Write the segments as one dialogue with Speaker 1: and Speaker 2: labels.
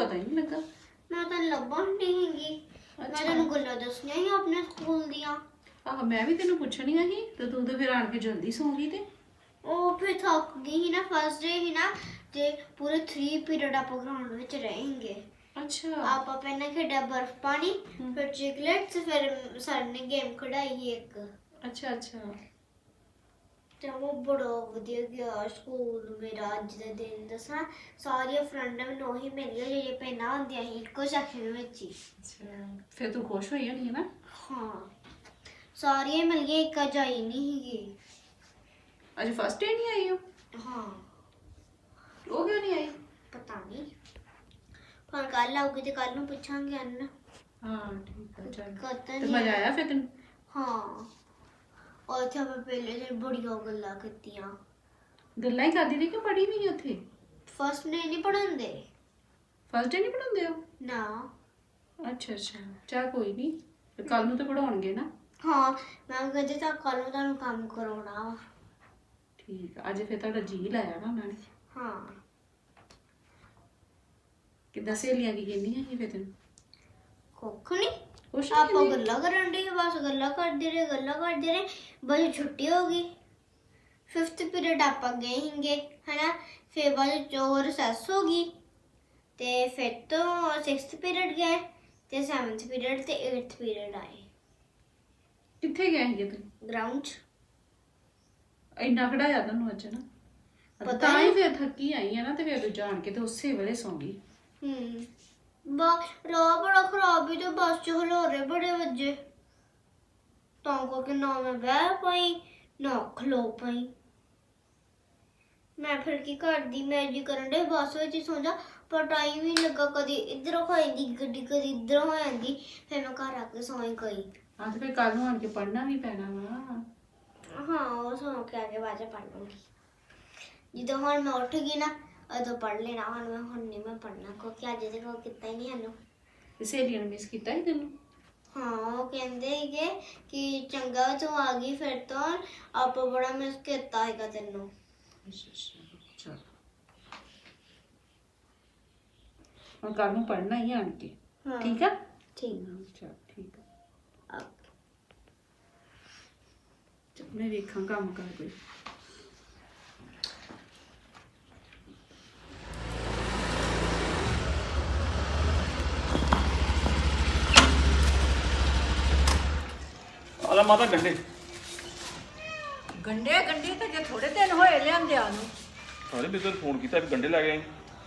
Speaker 1: ਪਤਾ ਹੀ ਨਹੀਂ ਲੱਗਾ।
Speaker 2: ਮੈਂ ਤਾਂ ਲੱਭਣ ਨਹੀਂ ਹੈਗੀ। ਮੈਂ ਤੈਨੂੰ ਗੱਲਾਂ ਦੱਸਣੀਆਂ ਸੀ ਆਪਣੇ ਸਕੂਲ ਦੀਆਂ।
Speaker 1: ਆਹ ਮੈਂ ਵੀ ਤੈਨੂੰ ਪੁੱਛਣੀਆਂ ਸੀ ਤੇ ਤੂੰ ਤੇ ਫਿਰ ਆਣ ਕੇ ਜਲਦੀ ਸੌਂ ਗਈ ਤੇ।
Speaker 2: ਉਹ ਫਿਰ ਥੱਕ ਗਈ ਸੀ ਨਾ, ਫਸਟ ਡੇ ਸੀ ਨਾ, ਤੇ ਪੂਰੇ 3 ਪੀਰੀਅਡ ਆਪਾਂ ਗਰਾਊਂਡ ਵਿੱਚ रहेंगे।
Speaker 1: ਅੱਛਾ
Speaker 2: ਆਪਾਂ ਪਹਿਲਾਂ ਖੇਡਿਆ ਬਰਫ ਪਾਣੀ, ਫਿਰ ਚਿਕਲੇਟਸ, ਫਿਰ ਸਰ ਨੇ ਗੇਮ ਖੜਾਈ ਸੀ ਇੱਕ।
Speaker 1: ਅੱਛਾ ਅੱਛਾ
Speaker 2: ਤੇ ਉਹ ਬੜਾ ਵਧੀਆ ਗਿਆ ਸਕੂਲ ਮੇਰਾ ਅੱਜ ਦਾ ਦਿਨ। ਦੱਸਾਂ, ਸਾਰੀਆਂ ਫਰੈਂਡਾਂ ਮੈਨੂੰ ਉਹੀ ਮਿਲੀਆਂ ਜਿਹੜੀਆਂ ਪਹਿਲਾਂ ਹੁੰਦੀਆਂ ਸੀ ਇੱਕੋ ਸੈਕਸ਼ਨ ਵਿੱਚ ਹੀ।
Speaker 1: ਅੱਛਾ ਫਿਰ ਤੂੰ ਖੁਸ਼ ਹੋਈ ਹੋਣੀ ਹੈ ਨਾ।
Speaker 2: ਹਾਂ, ਸਾਰੀਆਂ ਮਿਲ ਗਈਆਂ, ਇੱਕ ਅੱਜ ਆਈ ਨਹੀਂ ਸੀਗੀ।
Speaker 1: ਅੱਜ ਫਸਟ ਡੇ ਨਹੀਂ ਆਈ ਉਹ?
Speaker 2: ਹਾਂ,
Speaker 1: ਉਹ ਕਿਉਂ ਨਹੀਂ ਆਈ?
Speaker 2: ਪਤਾ ਨਹੀਂ, ਹੁਣ ਕੱਲ ਆਊਗੀ ਤੇ ਕੱਲ ਨੂੰ ਪੁੱਛਾਂਗੇ ਅੰਨ।
Speaker 1: ਹਾਂ ਠੀਕ ਹੈ ਚੱਲ।
Speaker 2: ਕਦੋਂ
Speaker 1: ਤੇ
Speaker 2: ਨਹੀਂ
Speaker 1: ਮਜ਼ਾ ਆਇਆ ਫਿਰ ਤੈਨੂੰ?
Speaker 2: ਹਾਂ, ਉੱਥੇ ਆਪਾਂ ਪਹਿਲੇ ਦਿਨ ਬੜੀਆਂ ਗੱਲਾਂ ਕੀਤੀਆਂ।
Speaker 1: ਗੱਲਾਂ ਹੀ ਕਰਦੀ ਰਹੀ ਕਿ ਪੜ੍ਹੀ ਵੀ ਨਹੀਂ ਉੱਥੇ?
Speaker 2: ਫਸਟ ਨੇ ਨਹੀਂ ਪੜਾਉਂਦੇ।
Speaker 1: ਫਸਟ ਡੇ ਨਹੀਂ ਪੜਾਉਂਦੇ ਉਹ?
Speaker 2: ਨਾ।
Speaker 1: ਅੱਛਾ ਅੱਛਾ ਚੱਲ ਕੋਈ ਨਹੀਂ, ਕੱਲ ਨੂੰ ਤਾਂ ਪੜਾਉਣਗੇ ਨਾ।
Speaker 2: ਹਾਂ, ਮੈਂ ਕਹਿੰਦੀ ਤਾਂ ਕੱਲ ਨੂੰ ਤੁਹਾਨੂੰ ਕੰਮ ਕਰਾਉਣਾ ਵਾ।
Speaker 1: ਠੀਕ ਆ, ਅੱਜ ਫਿਰ ਤੁਹਾਡਾ ਜੀ ਲਾਇਆ ਨਾ ਉਹਨਾਂ ਨੇ।
Speaker 2: ਹਾਂ,
Speaker 1: ਕਿੱਦਾਂ ਸਹੇਲੀਆਂ ਕੀ ਕਹਿੰਦੀਆਂ ਸੀ ਫਿਰ ਤੈਨੂੰ?
Speaker 2: ਕੁੱਖ ਨਹੀਂ,
Speaker 1: ਕੁਛ
Speaker 2: ਆਪਾਂ
Speaker 1: ਨਹੀਂ?
Speaker 2: ਗੱਲਾਂ ਕਰਨ ਡਏ, ਬਸ ਗੱਲਾਂ ਕਰਦੇ ਰਹੇ। ਬਸ ਛੁੱਟੀ ਹੋ ਗਈ। 5th ਪੀਰੀਅਡ ਆਪਾਂ ਗਏ ਹੀਗੇ ਹਨਾ, ਫਿਰ ਬਾਅਦ ਚੋਂ ਰਿਸੈਸ ਹੋ ਗਈ, ਤੇ ਫਿਰ ਤੋਂ 6th ਪੀਰੀਅਡ ਗਏ, ਤੇ 7th ਪੀਰੀਅਡ ਤੇ 8th ਪੀਰੀਅਡ ਆਏ
Speaker 1: ਕਿੱਥੇ ਗਏ ਸੀਗੇ ਤੂੰ?
Speaker 2: ਗਰਾਊਂਡ 'ਚ।
Speaker 1: ਇੰਨਾ ਖੜਾਇਆ ਤੁਹਾਨੂੰ ਅੱਜ ਨਾ?
Speaker 2: ਪਤਾ
Speaker 1: ਤਾਂ ਹੀ
Speaker 2: ਨਹੀਂ।
Speaker 1: ਫਿਰ ਥੱਕੀ ਆਈ ਆ ਨਾ, ਤੇ ਫਿਰ ਤੂੰ ਜਾਣ ਕੇ ਤੇ ਉਸੇ ਵੇਲੇ ਸੌਂ ਗਈ।
Speaker 2: ਰਾਹ ਬੜਾ ਖਰਾਬ ਹੀ, ਤੇ ਬੱਸ 'ਚ ਹਲੋਰੇ ਬੜੇ ਵੱਜੇ, ਤਾਂ ਕਰਕੇ ਨਾ ਮੈਂ ਬਹਿ ਪਾਈ ਨਾ ਖਲੋ ਪਾਈ। ਮੈਂ ਫਿਰ ਕੀ ਕਰਦੀ, ਮੈਂ ਜੀ ਕਰਨ ਦੇ ਬੱਸ ਵਿੱਚ ਹੀ ਸੌਂ ਜਾ, ਪਰ ਟਾਈਮ ਹੀ ਲੱਗਾ, ਕਦੀ ਇੱਧਰੋਂ ਹੋ ਜਾਂਦੀ ਗੱਡੀ, ਕਦੀ ਇੱਧਰੋਂ ਹੋ ਜਾਂਦੀ, ਫਿਰ ਮੈਂ ਘਰ ਆ ਕੇ ਸੌਂ ਗਈ।
Speaker 1: ਹਾਂ ਤੇ ਫਿਰ ਕੱਲ ਨੂੰ ਆਣ ਕੇ ਪੜ੍ਹਨਾ ਵੀ ਪੈਣਾ ਵਾ।
Speaker 2: ਹਾਂ, ਉਹ ਸੌਂ ਕੇ ਆ ਕੇ ਬਾਅਦ 'ਚ ਪੜ੍ਹ ਲੂੰਗੀ। ਜਦੋਂ ਹੁਣ ਮੈਂ ਉੱਠ ਗਈ ਨਾ, ਉਦੋਂ ਪੜ੍ਹ ਲੈਣਾ। ਹੁਣ ਨਹੀਂ ਮੈਂ ਪੜ੍ਹਨਾ, ਕਿਉਂਕਿ ਅੱਜ ਦੇ ਕੋਲ ਕੀਤਾ ਹੀ ਨਹੀਂ ਸਾਨੂੰ।
Speaker 1: ਤੇ ਸਹੇਲੀਆਂ ਨੇ ਮਿਸ ਕੀਤਾ ਸੀ ਤੈਨੂੰ?
Speaker 2: ਹਾਂ, ਉਹ ਕਹਿੰਦੇ ਸੀਗੇ ਕਿ ਚੰਗਾ ਤੂੰ ਆ ਗਈ, ਫਿਰ ਤੋਂ ਆਪਾਂ ਬੜਾ ਮਿਸ ਕੀਤਾ ਹੈਗਾ ਤੈਨੂੰ।
Speaker 1: ਅੱਛਾ ਅੱਛਾ ਚਲ, ਹੁਣ ਕੱਲ ਨੂੰ ਪੜ੍ਹਨਾ ਹੀ ਆਣ ਕੇ।
Speaker 2: ਹਾਂ,
Speaker 1: ਠੀਕ ਆ?
Speaker 2: ਠੀਕ
Speaker 1: ਚਲ ਠੀਕ ਆ।
Speaker 2: ਆ।
Speaker 1: ਚੱਲ ਮੈਂ ਵੇਖਾਂ ਕੰਮ ਕਰ ਕੋਈ।
Speaker 3: ਆਲਾ ਮਾਤਾ ਗੰਡੇ
Speaker 4: ਗੰਡੇ ਤਾਂ ਜੇ ਥੋੜੇ ਦਿਨ ਹੋਏ ਲਿਆਂਦਿਆਂ ਨੂੰ।
Speaker 3: ਸਾਰੇ ਬਿੱਦਰ ਫੋਨ ਕੀਤਾ ਵੀ ਗੰਡੇ ਲੈ ਕੇ ਆਈ।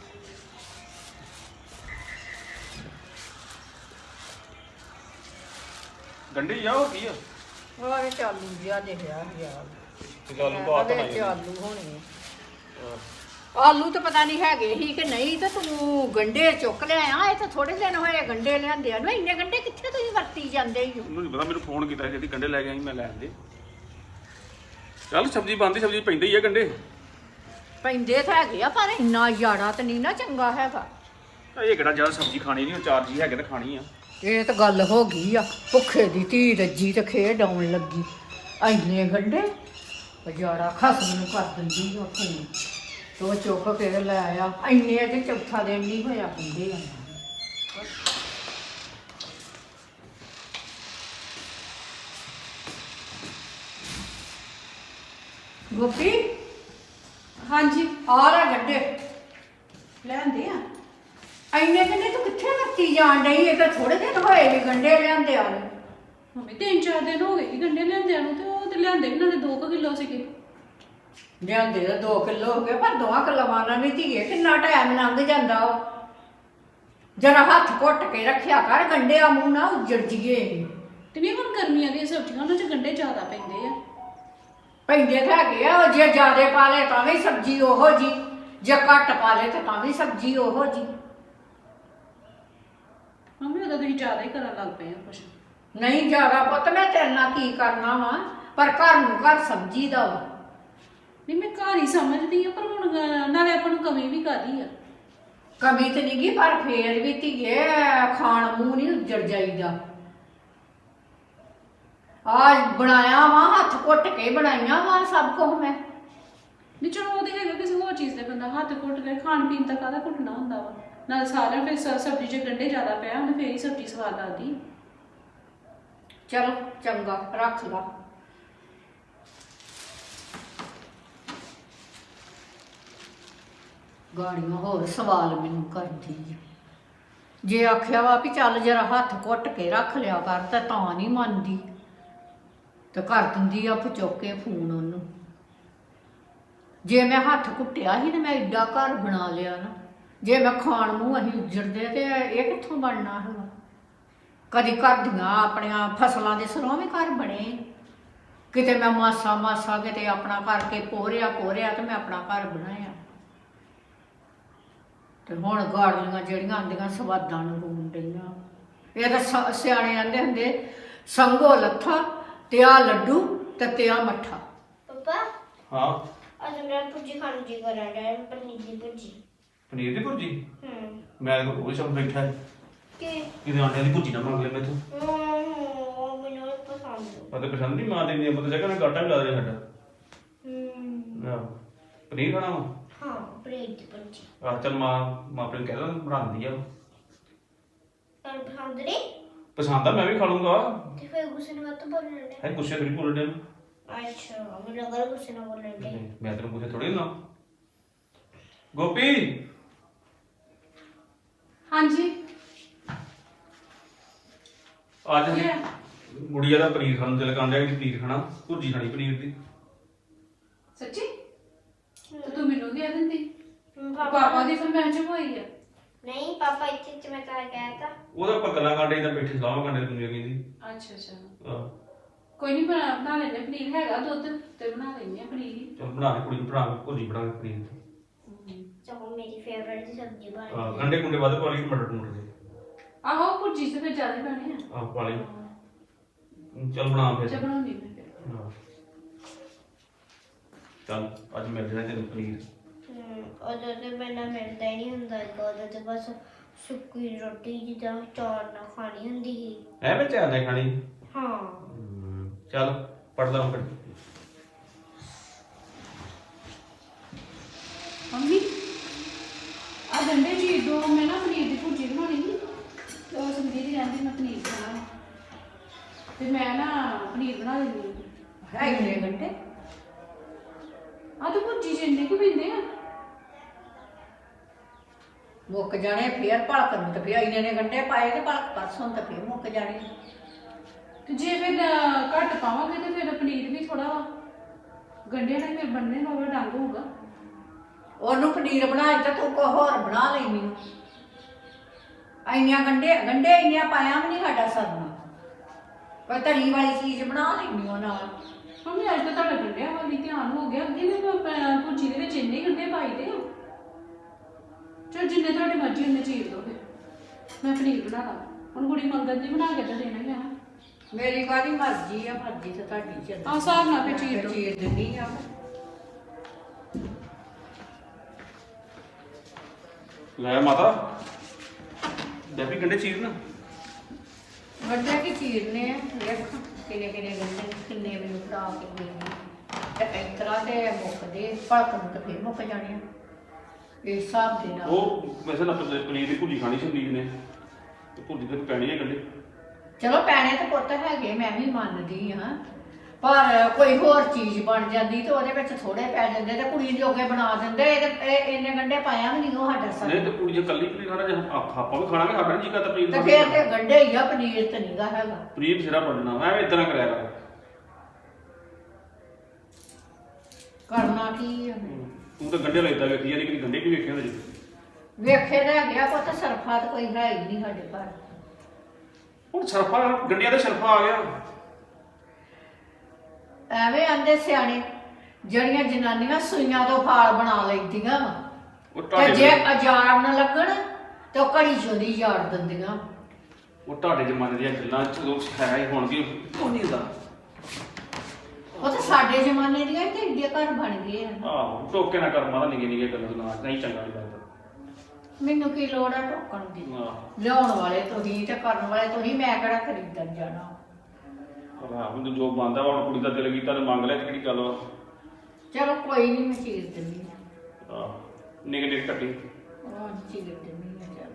Speaker 3: ਗੰਡੇ ਹੀ ਆ, ਹੋਰ ਕੀ ਆ?
Speaker 4: ਵਾਰੇ ਚਾਲੂ ਜਿਹਾ ਦੇਖਿਆ ਯਾਰ,
Speaker 3: ਤੇ ਆਲੂ ਬਾਤ
Speaker 4: ਵਿੱਚ
Speaker 3: ਬਣਾਈ
Speaker 4: ਆਲੂ ਹੋਣੇ। ਆਲੂ ਤਾਂ ਪਤਾ ਨਹੀਂ ਹੈਗੇ ਹੀ ਕਿ ਨਹੀਂ, ਤੇ ਤੂੰ ਗੰਡੇ ਚੁੱਕ ਲਿਆਇਆ। ਇਹ ਤਾਂ ਥੋੜੇ ਦਿਨ ਹੋਏ ਗੰਡੇ ਲਿਆਂਦਿਆਂ ਨੂੰ। ਇੰਨੇ ਗੰਡੇ ਕਿੱਥੇ ਤੁਸੀਂ ਵਰਤੀ ਜਾਂਦੇ ਹੀ ਹੋ?
Speaker 3: ਉਹਨੂੰ ਨਹੀਂ ਪਤਾ, ਮੈਨੂੰ ਫੋਨ ਕੀਤਾ ਜਿਹੜੀ ਗੰਡੇ ਲੈ ਕੇ ਆਈ, ਮੈਂ ਲੈ ਆਂਦੇ। ਚੱਲ ਸਬਜ਼ੀ ਬਣਦੀ, ਸਬਜ਼ੀ ਪੈਂਦੇ ਹੀ ਆ ਗੰਡੇ।
Speaker 4: ਪੈਂਦੇ ਤਾਂ ਹੈਗੇ ਆ, ਪਰ ਇੰਨਾ ਯਾਰਾ ਤਾਂ ਨਹੀਂ ਨਾ ਚੰਗਾ ਹੈਗਾ।
Speaker 3: ਇਹ ਕਿਹੜਾ ਜ਼ਿਆਦਾ ਸਬਜ਼ੀ ਖਾਣੀ ਨਹੀਂ, 4 ਜੀ ਹੈਗੇ ਤਾਂ ਖਾਣੀ ਆ।
Speaker 4: ਇਹ ਤਾਂ ਗੱਲ ਹੋ ਗਈ ਆ, ਭੁੱਖੇ ਦੀ ਧੀ ਰੱਜੀ ਤੇ ਖੇਡ ਆਉਣ ਲੱਗੀ। ਇੰਨੇ ਗੰਡੇ ਯਾਰਾ ਖਸਮ ਨੂੰ ਕਰ ਦਿੰਦੀ ਉਹ ਫੋਨ, ਤੋ ਚੁੱਕ ਕੇ ਲੈ ਆਇਆ। ਇੰਨੇ ਤੇ ਚੌਥਾ ਦਿਨ ਨਹੀਂ ਹੋਇਆ ਗੰਡੇ ਆ। ਗੋਪੀ,
Speaker 1: ਹਾਂਜੀ
Speaker 4: ਆ ਲੈ ਗੰਡੇ।
Speaker 1: ਲੈਂਦੇ ਆ।
Speaker 4: ਇੰਨੇ ਗੰਡੇ ਤੂੰ ਕਿੱਥੇ ਵਰਤੀ ਜਾਣ ਡਈ? ਇਹ ਤਾਂ ਥੋੜੇ ਦਿਨ ਹੋਏ ਵੀ ਗੰਡੇ ਲਿਆਂਦੇ ਆ।
Speaker 1: ਮੰਮੀ 3-4 ਦਿਨ ਹੋ ਗਏ ਸੀ ਗੰਡੇ ਲਿਆਂਦਿਆਂ ਨੂੰ, ਤੇ ਉਹ ਤੇ ਲਿਆਂਦੇ ਵੀ ਨਾਲੇ 2 ਕਿਲੋ ਸੀਗੇ।
Speaker 4: ਲਿਆਂਦੇ ਤਾਂ 2 ਕਿਲੋ ਹੋ ਗਏ, ਪਰ 2 ਕਿਲੋਆਂ ਨਾਲ ਨਹੀਂ ਧੀਏ ਕਿੰਨਾ ਟਾਈਮ ਲੰਘ ਜਾਂਦਾ ਵਾ। ਜਰਾ ਹੱਥ ਘੁੱਟ ਕੇ ਰੱਖਿਆ ਕਰ, ਗੰਡੇ ਆ ਮੂੰਹ ਨਾ ਉੱਜੜ ਜੀਏ।
Speaker 1: ਤੇ ਨਹੀਂ ਹੁਣ ਗਰਮੀਆਂ ਦੀਆਂ ਸਬਜ਼ੀਆਂ, ਉਹਨਾਂ 'ਚ ਗੰਡੇ ਜ਼ਿਆਦਾ ਪੈਂਦੇ ਆ।
Speaker 4: ਪੈਂਦੇ ਤਾਂ ਹੈਗੇ ਆ, ਜੇ ਜ਼ਿਆਦੇ ਪਾ ਲਏ ਤਾਂ ਵੀ ਸਬਜ਼ੀ ਉਹੋ ਜੀ, ਜੇ ਘੱਟ ਪਾ ਲਏ ਤਾਂ ਵੀ ਸਬਜ਼ੀ ਉਹੋ ਜੀ।
Speaker 1: ਮੰਮੀ ਉਦੋਂ ਤੁਸੀਂ ਜ਼ਿਆਦਾ ਹੀ ਕਰਨ ਲੱਗ ਪਏ ਆ ਕੁਛ।
Speaker 4: ਨਹੀਂ ਜ਼ਿਆਦਾ ਪੁੱਤ, ਮੈਂ ਤੇਰੇ ਨਾਲ ਕੀ ਕਰਨਾ ਵਾ, ਪਰ ਘਰ ਨੂੰ ਘਰ ਸਬਜ਼ੀ ਦਾ ਵਾ।
Speaker 1: ਨਹੀਂ ਮੈਂ ਘਰ ਹੀ ਸਮਝਦੀ ਆ, ਪਰ ਹੁਣ ਨਾਲੇ ਆਪਾਂ ਨੂੰ ਕਮੀ ਵੀ ਕਾਹਦੀ ਆ।
Speaker 4: ਕਮੀ ਤੇ ਨਹੀਂ ਗੀ, ਪਰ ਫੇਰ ਵੀ ਧੀਏ ਖਾਣ ਮੂੰਹ ਨਹੀਂ ਉੱਜੜ ਜਾਈਦਾ। ਆਜ ਬਣਾਇਆ ਵਾ, ਹੱਥ ਘੁੱਟ ਕੇ ਬਣਾਈਆਂ ਵਾ ਸਭ ਕੁਝ ਮੈਂ।
Speaker 1: ਨਹੀਂ ਚਲੋ ਉਹਦੇ ਹੈਗਾ ਕਿਸੇ ਹੋਰ ਚੀਜ਼ ਦੇ ਬੰਦਾ ਹੱਥ ਘੁੱਟ ਕੇ, ਖਾਣ ਪੀਣ ਦਾ ਕਾਹਦਾ ਘੁੱਟਣਾ ਹੁੰਦਾ ਵਾ। ਨਾਲ ਸਾਰਿਆਂ ਫਿਰ ਸਬਜ਼ੀ 'ਚ ਗੰਢੇ ਜ਼ਿਆਦਾ ਪਿਆ ਉਹਨੇ ਫੇਰ ਹੀ ਸਬਜ਼ੀ ਸਵਾਦ ਲੱਗਦੀ।
Speaker 4: ਚਲੋ ਚੰਗਾ ਰੱਖ ਲਾ। ਗਾੜੀਆਂ ਹੋਰ ਸਵਾਲ ਮੈਨੂੰ ਕਰਦੀ ਆ। ਜੇ ਆਖਿਆ ਵਾ ਵੀ ਚੱਲ ਜਰਾ ਹੱਥ ਘੁੱਟ ਕੇ ਰੱਖ ਲਿਆ ਕਰ ਤਾਂ ਨਹੀਂ ਮੰਨਦੀ ਤੇ ਕਰ ਦਿੰਦੀ ਆ ਚੁੱਕ ਕੇ ਫੋਨ ਉਹਨੂੰ। ਜੇ ਮੈਂ ਹੱਥ ਘੁੱਟਿਆ ਸੀ ਤੇ ਮੈਂ ਏਡਾ ਘਰ ਬਣਾ ਲਿਆ ਨਾ, ਜੇ ਮੈਂ ਖਾਣ ਮੂੰਹ ਅਸੀਂ ਉੱਜੜਦੇ ਤੇ ਇਹ ਕਿੱਥੋਂ ਬਣਨਾ ਹੈਗਾ। ਕਦੀ ਘਰ ਦੀਆਂ ਆਪਣੀਆਂ ਫਸਲਾਂ ਦੇ ਸਰੋਂ ਵੀ ਘਰ ਬਣੇ, ਕਿਤੇ ਮੈਂ ਮਾਸਾ ਮਾਸਾ ਕਿਤੇ ਆਪਣਾ ਕਰਕੇ ਪੋਰਿਆ ਤੇ ਮੈਂ ਆਪਣਾ ਘਰ ਬਣਾਇਆ। ਤੇ ਹੁਣ ਗਾੜੀਆਂ ਜਿਹੜੀਆਂ ਆਂਦੀਆਂ ਸਵਾਦਾਂ ਨੂੰ ਰੂਣ ਡਈਆਂ। ਇਹ ਤਾਂ ਸਿਆਣੇ ਆਂਦੇ ਹੁੰਦੇ ਸੰਗੋ ਲੱਥਾ ਤੇ ਆ ਲੱਡੂ ਤੇ ਆ ਮੱਠਾ।
Speaker 2: ਪਾਪਾ
Speaker 3: ਹਾਂ
Speaker 2: ਅੱਜ ਮੈਂ ਭੁੱਜੀ ਖਾਣ ਜੀ ਕਰਾਂ ਡਿਆ, ਪਨੀਰ ਦੀ ਭੁੱਜੀ।
Speaker 3: ਪਨੀਰ ਦੀ ਭੁਰਜੀ?
Speaker 2: ਮੈਂ
Speaker 3: ਮੈਂ ਉਹ ਸਭ ਬੈਠਾ ਹੈ
Speaker 2: ਕਿ
Speaker 3: ਕਿਤੇ ਆਂਡਿਆਂ ਦੀ ਭੁਰਜੀ ਨਾ ਮੰਗ ਲੈ ਮੈਥੋਂ।
Speaker 2: ਮੈਨੂੰ ਇਹ ਪਸੰਦ
Speaker 3: ਮੈਂ ਤਾਂ ਪਸੰਦ ਨਹੀਂ ਮਾਂ ਦੇ ਨਹੀਂ ਮਤਲਬ ਜਗ੍ਹਾ ਨਾਲ ਗਾਟਾ ਵੀ ਲਾ ਦੇ ਸਾਡਾ। ਆਹ ਪਨੀਰ ਖਾਣਾ ਵਾ?
Speaker 2: ਹਾਂ ਪਨੀਰ ਦੀ ਭੁੱਜੀ।
Speaker 3: ਆਹ ਚੱਲ ਮਾਂ ਆਪਣੇ ਕਹਿ ਦਾਂ ਬਣਾਉਂਦੀ ਆ।
Speaker 2: ਤੁਹਾਨੂੰ ਪਸੰਦ ਨਹੀਂ?
Speaker 3: ਪਸੰਦ ਆ, ਮੈਂ ਵੀ ਖਾ ਲੂੰਗਾ।
Speaker 2: ਤੇ ਫਿਰ ਗੁੱਸੇ ਨਾਲ ਮਤ ਬੋਲਣ ਦੇ।
Speaker 3: ਹੈ ਗੁੱਸੇ ਥੋੜੀ ਬੋਲਣ ਡਿਆ।
Speaker 2: ਅੱਛਾ ਮੈਨੂੰ ਲੱਗਾ ਗੁੱਸੇ ਨਾਲ ਬੋਲਣ ਦੇ।
Speaker 3: ਮੈਂ ਤੈਨੂੰ ਗੁੱਸੇ ਥੋੜੀ ਨਾ। ਗੋਪੀ
Speaker 1: ਹਾਂਜੀ
Speaker 3: ਅੱਜ ਗੁੜੀਆ ਦਾ ਪਨੀਰ ਖਾਣ ਨੂੰ ਦਿਲ ਕਰਨ ਡਿਆ ਕਿ ਪਨੀਰ ਖਾਣਾ, ਭੁਰਜੀ ਖਾਣੀ ਪਨੀਰ ਦੀ।
Speaker 1: ਸੱਚੀ? ਤੇ ਤੂੰ ਮੈਨੂੰ ਦੇ ਦਿੰਦੀ।
Speaker 2: ਪਾਪਾ
Speaker 1: ਪਾਪਾ ਦੀ ਫਰਮਾਇਸ਼ ਹੋਈ ਆ।
Speaker 2: ਨਹੀਂ ਪਾਪਾ ਇੱਥੇ ਮੈਂ ਤਾਂ ਕਹਿਤਾ।
Speaker 3: ਉਹਦਾ ਪਕਲਾ ਕਾਂਡੇ ਤਾਂ ਬੈਠੇ ਸਲਾਹ ਕਾਂਡੇ ਦੁਨੀਆ ਕਹਿੰਦੀ।
Speaker 1: ਅੱਛਾ
Speaker 3: ਆਹ
Speaker 1: ਕੋਈ ਨਹੀਂ ਬਣਾ ਲੈਣੇ ਪਨੀਰ ਹੈਗਾ ਦੁੱਧ ਤੇ ਬਣਾ ਲੈਣੇ ਆ ਪਨੀਰ।
Speaker 3: ਚੱਲ ਬਣਾ ਕੇ ਕੁੜੀ ਨੂੰ ਬਣਾ ਕੇ ਭੁਰਜੀ ਬਣਾ ਕੇ ਪਨੀਰ ਦੀ।
Speaker 2: ਚਲੋ ਮੇਰੀ ਫੇਵਰਿਟ ਦੀ ਸਬਜ਼ੀ ਬਣ
Speaker 3: ਆਹ
Speaker 2: ਗਈ।
Speaker 3: ਗੰਡੇ ਕੁੰਡੇ ਵੱਧ ਪਾ ਲਈ ਮਟਰ ਟਮਾਟਰ ਦੇ।
Speaker 1: ਆਹੋ ਭੁਰਜੀ ਤੇ ਫਿਰ ਜ਼ਿਆਦਾ ਪੈਣੇ ਆ।
Speaker 3: ਆਹ ਪਾ ਲਈ। ਚੱਲ ਬਣਾ ਫਿਰ।
Speaker 1: ਚੱਲ ਬਣਾਉਣੀ ਮੈਂ ਫਿਰ।
Speaker 3: ਹਾਂ। ਚੱਲ ਅੱਜ ਮਿਲ ਜਾਣਾ ਤੈਨੂੰ ਪਨੀਰ।
Speaker 2: ਉਦੋਂ ਤੇ ਮੈਨੂੰ ਮਿਲਦਾ ਹੀ ਨਹੀਂ ਹੁੰਦਾ, ਉਦੋਂ ਤੇ ਬਸ ਸੁੱਕੀ ਰੋਟੀ ਜਿੱਦਾਂ ਚੌਲ ਨਾਲ ਖਾਣੀ ਹੁੰਦੀ ਸੀ।
Speaker 3: ਐਵੇਂ ਚਾਹ ਨਹੀਂ ਖਾਣੀ।
Speaker 2: ਹਾਂ
Speaker 3: ਚੱਲ ਪੜ ਲਾ ਫਿਰ।
Speaker 1: ਮੰਮੀ ਆ ਗੰਡੇ ਜੀ ਦੋ ਮੈਂ ਨਾ ਪਨੀਰ ਦੀ ਭੁਰਜੀ ਬਣਾਉਣੀ ਸੀ ਤੇ ਉਹ ਸੰਦੀ ਦੀ ਕਹਿੰਦੀ ਮੈਂ ਪਨੀਰ ਖਾਣਾ ਤੇ ਮੈਂ ਨਾ ਪਨੀਰ ਬਣਾ ਲੈਂਦੀ
Speaker 4: ਹੈ ਇੰਨੇ ਗੰਢੇ?
Speaker 1: ਆ ਤੇ ਭੁਰਜੀ ਚ ਇੰਨੇ ਕੁ ਪੈਂਦੇ ਆ।
Speaker 4: ਮੁੱਕ ਜਾਣੇ ਫੇਰ ਭਲਕ ਨੂੰ ਤੇ ਫੇਰ ਇੰਨੇ ਨੇ ਗੰਢੇ ਪਾਏ ਤੇ ਭਲਕ ਪਰਸੋਂ ਤੇ ਫੇਰ ਮੁੱਕ ਜਾਣੇ।
Speaker 1: ਤੇ ਜੇ ਫਿਰ ਘੱਟ ਪਾਵਾਂਗੇ ਤੇ ਫਿਰ ਪਨੀਰ ਵੀ ਥੋੜਾ ਗੰਢਿਆਂ ਨਾਲ ਫਿਰ ਬਣਨੇ ਨੂੰ ਡੰਗ ਹੋਊਗਾ।
Speaker 4: ਉਹਨੂੰ ਪਨੀਰ ਬਣਾਏ ਤਾਂ ਤੂੰ ਕੋ ਹੋਰ ਬਣਾ ਲੈਣੀ। ਇੰਨੀਆਂ ਗੰਢੇ ਇੰਨੀਆਂ ਪਾਇਆ ਵੀ ਨਹੀਂ ਸਾਡਾ ਸਰਨਾ। ਕੋਈ ਤਰੀ ਵਾਲੀ ਚੀਜ਼ ਬਣਾ ਲੈਣੀ ਉਹ ਨਾਲ।
Speaker 1: ਮੰਮੀ ਅੱਜ ਤਾਂ ਤੁਹਾਡਾ ਗੰਢਿਆਂ ਵਾਲੀ ਧਿਆਨ ਹੋ ਗਿਆ। ਅੱਗੇ ਮੈਂ ਭੁਰਜੀ ਦੇ ਵਿੱਚ ਇੰਨੇ ਗੰਢੇ ਪਾਈਦੇ ਆ। ਚਲ ਜਿੰਨੇ ਤੁਹਾਡੀ ਮਰਜ਼ੀ ਉਹਨੇ ਚੀਰ ਦੋ ਫਿਰ ਮੈਂ ਪਨੀਰ ਬਣਾ ਲਾ। ਹੁਣ ਕੁੜੀ ਮੰਗਣ ਦੀ ਬਣਾ ਕੇ ਤਾਂ ਦੇਣਾ ਹੀ ਆ।
Speaker 4: ਮੇਰੀ ਕਾਹਦੀ ਮਰਜ਼ੀ ਆ, ਮਰਜ਼ੀ ਤਾਂ ਤੁਹਾਡੀ ਚੱਲ।
Speaker 1: ਆਹ ਹਿਸਾਬ ਨਾਲ ਫਿਰ ਚੀਰ ਦਿਓ।
Speaker 4: ਚੀਰ ਦਿੰਦੀ ਆ।
Speaker 3: ਲੈ ਮਾਤਾ ਡੈਬੀ ਗੰਡੇ ਚੀਰ ਨਾ।
Speaker 4: ਗੰਢੇ ਕੀ ਚੀਰਨੇ ਆ, ਵੇਖ ਕਿੰਨੇ ਗੰਢੇ ਕਿੰਨੇ ਮੈਨੂੰ ਫੜਾ ਕੇ ਦੇਣੀ ਤੇ ਇਸ ਤਰ੍ਹਾਂ ਤੇ ਮੁੱਕਦੇ ਭਲਕ ਨੂੰ ਤੇ ਫੇਰ ਮੁੱਕ ਜਾਣੇ ਆ ਇਸ ਹਿਸਾਬ ਦੇ ਨਾਲ।
Speaker 3: ਉਹ ਵੈਸੇ ਨਾ ਪਨੀਰ ਦੀ ਭੁਰਜੀ ਖਾਣੀ ਸੰਦੀਪ ਨੇ ਤੇ ਭੁਰਜੀ ਤੇ ਪੈਣੀ ਹੈ ਗੰਡੇ।
Speaker 4: ਚਲੋ ਪੈਣੇ ਤਾਂ ਪੁੱਤ ਹੈਗੇ, ਮੈਂ ਵੀ ਮੰਨਦੀ ਹਾਂ, ਪਰ ਕੋਈ ਹੋਰ ਚੀਜ਼ ਬਣ ਜਾਂਦੀ ਤੇ ਉਹਦੇ ਵਿੱਚ ਥੋੜੇ ਪੈ ਜਾਂਦੇ ਤੇ ਕੁੜੀ ਜੋਗੇ ਬਣਾ ਦਿੰਦੇ। ਇਹ ਇੰਨੇ ਗੰਢੇ ਪਾਇਆ ਵੀ ਨਹੀਂ ਉਹ ਸਾਡਾ ਸਰ।
Speaker 3: ਨਹੀਂ ਤੇ ਕੁੜੀ ਜੇ ਕੱਲੀ ਪਨੀਰ ਖਾਣਾ, ਜੇ ਆਪਾਂ ਵੀ ਖਾਣਾਗੇ ਸਾਡਾ ਜੀ ਕਰਦਾ ਪਨੀਰ
Speaker 4: ਤੇ
Speaker 3: ਦਾ।
Speaker 4: ਫੇਰ ਤੇ ਗੰਢੇ ਹੀ ਆ, ਪਨੀਰ ਤੇ ਨਹੀਂਗਾ ਹੈਗਾ।
Speaker 3: ਪਨੀਰ ਸਿਰਾ ਪੜਨਾ ਮੈਂ ਇਦਾਂ ਕਰਿਆ ਕਰ।
Speaker 4: ਕਰਨਾ ਕੀ ਆ?
Speaker 3: ਤੂੰ ਤਾਂ ਗੰਡੇ ਲੈਦਾ ਵੇਖੀ ਜਾਂਦੀ ਕਿ ਗੰਡੇ ਕੀ ਵੇਖੇ ਹੁੰਦੇ ਜੀ।
Speaker 4: ਵੇਖੇ ਰਹਿ ਗਿਆ ਪੁੱਤ, ਸਰਫਾ ਤਾਂ ਕੋਈ ਹੈ ਹੀ ਨਹੀਂ ਸਾਡੇ ਘਰ।
Speaker 3: ਹੁਣ ਸਰਫਾ ਗੰਡਿਆਂ ਦਾ ਸਰਫਾ ਆ ਗਿਆ।
Speaker 4: ਐਵੇਂ ਆਂਦੇ ਸਿਆਣੇ ਜਿਹੜੀਆਂ ਜਨਾਨੀਆਂ ਸੂਈਆਂ ਤੋਂ ਫਾਲ ਬਣਾ ਲੈਂਦੀਆਂ
Speaker 3: ਉਹ
Speaker 4: ਤੇ
Speaker 3: ਤੁਹਾਡੇ
Speaker 4: ਜੇ ਅਜਾੜ ਨਾ ਲੱਗਣ ਤੇ ਉਹ ਘੜੀ ਚੋਦੀ ਝਾੜ ਦਿੰਦੀਆਂ।
Speaker 3: ਉਹ ਤੁਹਾਡੇ ਜ਼ਮਾਨੇ ਦੀਆਂ ਗੱਲਾਂ ਚਲੋ ਸਿਖਾਇਆ ਹੁਣ ਵੀ ਉਹ ਨਹੀਂ ਹੁੰਦਾ।
Speaker 4: ਉਹ ਤਾਂ ਸਾਡੇ ਜ਼ਮਾਨੇ ਦੀਆਂ ਤੇ ਏਡੇ ਘਰ ਬਣ ਗਏ ਆ।
Speaker 3: ਆਹੋ ਟੋਕੇ ਨਾ ਕਰ ਮਾਤਾ ਨਿੱਕੇ ਨਿੱਕੇ ਗੱਲਾਂ ਸੁਣਾ ਨਹੀਂ ਚੰਗਾ ਨਹੀਂ ਲੱਗਦਾ।
Speaker 4: ਮੈਨੂੰ ਕੀ ਲੋੜ ਆ ਟੋਕਣ ਦੀ?
Speaker 3: ਆਹ
Speaker 4: ਲਿਆਉਣ ਵਾਲੇ ਤੁਸੀਂ ਤੇ ਕਰਨ ਵਾਲੇ ਤੁਸੀਂ, ਮੈਂ ਕਿਹੜਾ ਖਰੀਦਣ ਜਾਣਾ।
Speaker 3: ਆਹ ਹੁਣ ਜੋ ਬੰਦਾ ਹੁਣ ਕੁੜੀ ਦਾ ਦਿਲ ਕੀਤਾ ਤੇ ਮੰਗ ਲਿਆ ਤੇ ਕਿਹੜੀ ਗੱਲ ਵਾ।
Speaker 4: ਚਲੋ ਕੋਈ ਨਹੀਂ, ਮੈਂ ਚੀਰ ਦਿੰਦੀ ਹਾਂ।
Speaker 3: ਆਹ ਨਿੱਕੇ ਨਿੱਕੇ ਕੱਟੀ।
Speaker 4: ਉਹ ਚੀਰ ਦਿੰਦੀ ਹਾਂ।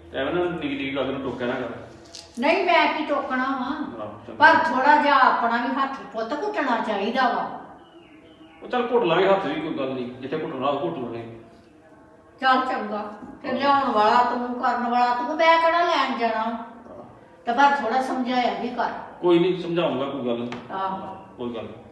Speaker 3: ਐਵੇਂ ਨਾ ਨਿੱਕੀ ਨਿੱਕੀ ਗੱਲ ਨੂੰ ਟੋਕਿਆ ਨਾ ਕਰ।
Speaker 4: ਨਹੀਂ ਮੈਂ ਕੀ ਟੋਕਣਾ ਵਾ,
Speaker 3: ਆਹੋ, ਚੰਗਾ।
Speaker 4: ਪਰ ਥੋੜਾ ਜਿਹਾ ਆਪਣਾ ਵੀ ਹੱਥ ਪੁੱਤ ਘੁੱਟਣਾ ਚਾਹੀਦਾ ਵਾ।
Speaker 3: ਉਹ ਚੱਲ ਘੁੱਟ ਲਾਂਗੇ ਹੱਥ ਵੀ, ਕੋਈ ਗੱਲ ਨਹੀਂ, ਜਿੱਥੇ ਘੁੱਟਣਾ ਉਹ ਘੁੱਟ ਲਾਂਗੇ।
Speaker 4: ਚੱਲ ਚੰਗਾ, ਤੇ ਲਿਆਉਣ ਵਾਲਾ ਤੂੰ, ਕਰਨ ਵਾਲਾ ਤੂੰ, ਮੈਂ ਕਿਹੜਾ ਲੈਣ ਜਾਣਾ ਵਾ। ਤੇ ਪਰ ਥੋੜਾ ਸਮਝਾਇਆ ਵੀ ਕਰ।
Speaker 3: ਕੋਈ ਨਹੀਂ ਸਮਝਾਉਂਗਾ, ਕੋਈ ਗੱਲ ਨਹੀਂ,
Speaker 4: ਆਹੋ
Speaker 3: ਕੋਈ ਗੱਲ ਨਹੀਂ।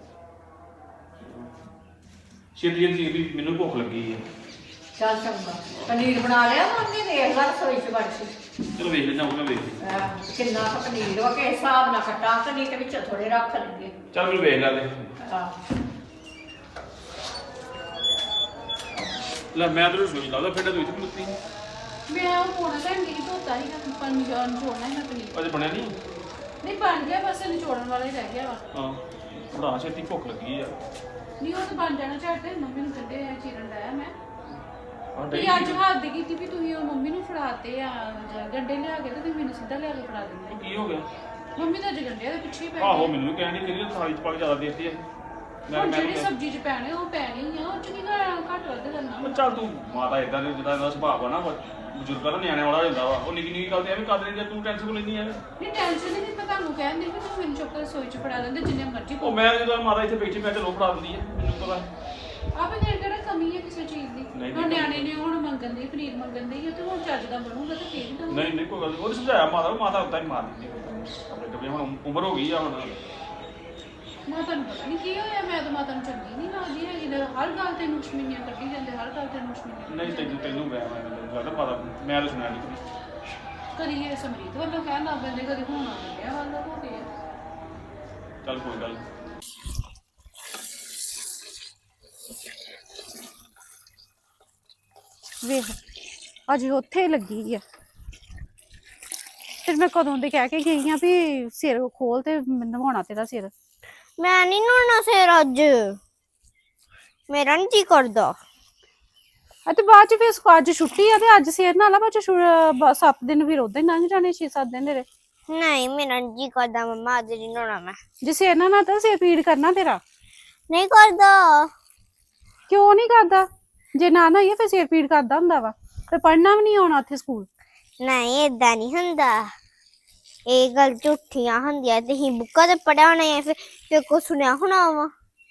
Speaker 3: ਛੇਤੀ ਛੇਤੀ ਮੈਨੂੰ ਭੁੱਖ ਲੱਗੀ ਹੈ।
Speaker 4: ਚੱਲ ਚੰਗਾ, ਪਨੀਰ ਬਣਾ ਲਿਆ ਮੰਮੀ ਨੇ, ਦੇਖ ਲੈ ਰਸੋਈ ਚ ਵੜ ਕੇ।
Speaker 3: ਚਲੋ ਵੇਖ ਲੈਂਦਾ, ਮੈਂ ਵੇਖ ਲੈਂਦਾ।
Speaker 4: ਕਿੰਨਾ ਕੁ ਪਨੀਰ ਵਾ, ਕਿਸ ਹਿਸਾਬ ਨਾਲ ਕੱਟਾਂ ਕਿ ਨਹੀਂ, ਤੇ ਵਿੱਚ ਥੋੜੇ ਰੱਖ ਲਈਏ।
Speaker 3: ਚੱਲ ਮੈਨੂੰ ਵੇਖ ਲੈ ਲੈ।
Speaker 4: ਆਹ
Speaker 3: ਲੈ ਮੈਂ ਤੈਨੂੰ ਸੋਚ ਲਾਦਾ, ਫਿਰ ਤੂੰ ਇੱਥੇ ਮੁੱਤੀ
Speaker 1: ਮੈਂ ਉਹ ਪੋਣਾ ਲੈਣ ਗਈ ਧੋਤਾ ਹੀ ਨਾ ਪਨੀਰ ਛੋੜਨਾ ਹੀ ਨਾ ਪਨੀਰ।
Speaker 3: ਅਜੇ ਬਣਿਆ ਨਹੀਂ।
Speaker 1: ਨਹੀਂ ਬਣ ਗਿਆ, ਬਸ ਨਿਚੋੜਨ ਵਾਲਾ ਹੀ ਰਹਿ ਗਿਆ ਵਾ।
Speaker 3: ਹਾਂ ਬੜਾ ਛੇਤੀ ਭੁੱਖ ਲੱਗੀ ਆ।
Speaker 1: ਨਹੀਂ ਉਹ ਤਾਂ ਬਣ ਜਾਣਾ ਝੱਟ, ਮੰਮੀ ਨੂੰ ਕੱਢੇ ਆ ਚੀਰਨ ਲਾਇਆ ਮੈਂ।
Speaker 3: ਆਹ
Speaker 1: ਤੇ ਅੱਜ ਹੱਥ ਦੀ ਕੀਤੀ ਵੀ ਤੁਸੀਂ ਉਹ ਮੰਮੀ ਨੂੰ ਫੜਾਤੇ ਆ ਗੰਡੇ ਲਿਆ ਕੇ, ਤੇ ਤੁਸੀਂ ਮੈਨੂੰ ਸਿੱਧਾ ਲਿਆ ਕੇ ਫੜਾ ਦਿੰਦੇ।
Speaker 3: ਕੀ ਹੋ ਗਿਆ?
Speaker 1: ਮੰਮੀ ਤਾਂ ਅੱਜ ਗੰਡਿਆਂ ਦੇ ਪਿੱਛੇ ਹੀ ਪੈ
Speaker 3: ਆਹੋ
Speaker 1: ਗਈ।
Speaker 3: ਮੈਨੂੰ ਵੀ ਕਹਿਣੀ ਕਿ ਥਾਲੀ ਚ ਪਾ ਕੇ ਜ਼ਿਆਦਾ ਦੇਤੀ ਹੈ।
Speaker 1: ਹੁਣ ਜਿਹੜੀ ਸਬਜ਼ੀ ਚ ਪੈਣੇ ਉਹ ਪੈਣੀ ਆ, ਉਹ ਚ ਕੀ ਘੱਟ ਵੱਧ ਕਰਨਾ।
Speaker 3: ਚੱਲ ਤੂੰ ਮਾਤਾ ਇਦਾਂ ਦੇ ਜਿੱਦਾਂ ਦਾ ਸੁਭਾਅ ਆ ਨਾ, ਬਜ਼ੁਰਗਾਂ ਦਾ ਨਿਆਣੇ ਵਾਲਾ ਹੋ ਜਾਂਦਾ ਵਾ। ਉਹ ਨਿੱਕੀ ਨਿੱਕੀ ਗੱਲ ਤੇ ਐਵੇਂ ਕਰ ਦਿੰਦੀ, ਤੂੰ ਟੈਨਸ਼ਨ ਕਿਉਂ ਲੈਂਦੀ ਐ?
Speaker 1: ਨਹੀਂ ਟੈਨਸ਼ਨ ਨਹੀਂ, ਮੈਂ ਤੁਹਾਨੂੰ ਕਹਿੰਦੀ ਵੀ ਤੁਸੀਂ ਮੈਨੂੰ ਚੁੱਕ ਕੇ ਰਸੋਈ ਚ ਫੜਾ ਦਿੰਦੇ ਜਿੰਨੇ ਮਰਜ਼ੀ।
Speaker 3: ਉਹ ਮੈਂ ਜਦੋਂ ਮਾਤਾ ਇੱਥੇ ਬੈਠੀ ਮੈਂ ਚਲੋ ਫੜਾ ਦਿੰਦੀ ਐ, ਮੈਨੂੰ ਪਤਾ।
Speaker 1: ਆਪੇ ਦੇਰ ਕਿਹੜਾ ਕਮੀ ਹੈ ਕਿਸੇ ਚੀਜ਼ ਦੀ।
Speaker 3: ਨਹੀਂ,
Speaker 1: ਹੁਣ ਨਿਆਣੇ ਨੇ ਹੁਣ ਮੰਗਣ ਦੀ ਪਨੀਰ ਮੰਗਣ ਦੀ, ਤੇ ਹੁਣ ਚੱਜ ਦਾ ਬਣੂਗਾ ਤੇ ਫੇਰ ਹੀ ਦਊਂਗੀ।
Speaker 3: ਨਹੀਂ ਨਹੀਂ ਕੋਈ ਗੱਲ ਨਹੀਂ, ਉਹਨੇ ਸਮਝਾਇਆ ਮਾਤਾ ਉਦਾਂ ਹੀ ਮਾਰ ਦਿੰਦੀ ਆਪਣੇ ਕੱਪੜੇ। ਹੁਣ ਉਮਰ ਹੋ ਗਈ ਆ ਹੁਣ।
Speaker 1: ਮਾਤਾ ਨੂੰ ਪਤਾ ਨਹੀਂ ਕੀ ਹੋਇਆ, ਮੈਂ ਤਾਂ ਮਾਤਾ ਨੂੰ ਚੰਗੀ ਨਹੀਂ ਲੱਗਦੀ ਹੈਗੀ, ਹਰ ਗੱਲ ਤੇ ਨੁਸ਼ਮੀਨੀਆਂ ਕੱਢੀ ਜਾਂਦੇ, ਹਰ ਗੱਲ ਤੇ ਨੁਸ਼ਮੀਨੀਆਂ।
Speaker 3: ਨਹੀਂ ਤੈਨੂੰ ਮੈਂ ਲੱਗਦਾ ਪਤਾ, ਮੈਂ ਤਾਂ ਸੁਣਿਆ ਨਹੀਂ
Speaker 1: ਕਦੀ ਇਹ ਸਮਰੀਤ ਵੱਲੋਂ ਕਹਿਣ ਲੱਗ ਪੈਂਦੇ, ਕਦੀ ਹੁਣ ਆ ਗਿਆ ਵੱਲੋਂ ਹੋ ਗਿਆ।
Speaker 3: ਚੱਲ ਕੋਈ ਗੱਲ ਨੀ।
Speaker 1: ਵੇਖ ਅਜੇ ਉੱਥੇ ਲੱਗੀ ਆ, ਫਿਰ ਮੈਂ ਕਦੋਂ ਦੇ ਕਹਿ ਕੇ ਗਈ ਆ ਵੀ ਸਿਰ ਖੋਲ ਤੇ ਨਵਾਉਣਾ ਤੇਰਾ ਸਿਰ।
Speaker 2: ਮੈਂ ਨਹੀਂ ਨਹਾਉਣਾ ਸਿਰ ਅੱਜ, ਮੇਰਾ ਨਹੀਂ ਜੀ ਕਰਦਾ।
Speaker 1: ਅਤੇ ਬਾਅਦ ਚ ਫਿਰ ਅੱਜ ਛੁੱਟੀ ਆ ਤੇ ਅੱਜ ਸਿਰ ਨਾਲ ਬਾਅਦ ਚ 7 ਦਿਨ ਫਿਰ ਉਦਾਂ ਹੀ ਲੰਘ ਜਾਣੇ, 6-7 ਦਿਨ ਤੇਰੇ।
Speaker 2: ਨਹੀਂ ਮੇਰਾ ਨੀ ਜੀ ਕਰਦਾ ਮੰਮਾ, ਅੱਜ ਨਹੀਂ ਨਹਾਉਣਾ ਮੈਂ।
Speaker 1: ਜੇ ਸਿਰ ਨਾਲ ਨਾ ਤਾਂ ਸਿਰ ਪੀੜ ਕਰਨਾ ਤੇਰਾ।
Speaker 2: ਨਹੀਂ ਕਰਦਾ।
Speaker 1: ਕਿਉਂ ਨਹੀਂ ਕਰਦਾ? ਜੇ ਨਾ ਨਹਾਈਏ ਫਿਰ ਸਿਰ ਪੀੜ ਕਰਦਾ ਹੁੰਦਾ ਵਾ, ਤੇ ਪੜ੍ਹਨਾ ਵੀ ਨਹੀਂ ਆਉਣਾ ਉੱਥੇ ਸਕੂਲ।
Speaker 2: ਨਹੀਂ ਏਦਾਂ ਨਹੀਂ ਹੁੰਦਾ, ਇਹ ਗੱਲ ਝੂਠੀਆਂ ਹੁੰਦੀਆਂ। ਤੁਸੀਂ ਬੁੱਕਾਂ ਤੇ ਪੜਿਆ ਹੋਣਾ ਹੈ, ਫਿਰ ਕੋ ਸੁਣਿਆ ਹੋਣਾ ਵਾ।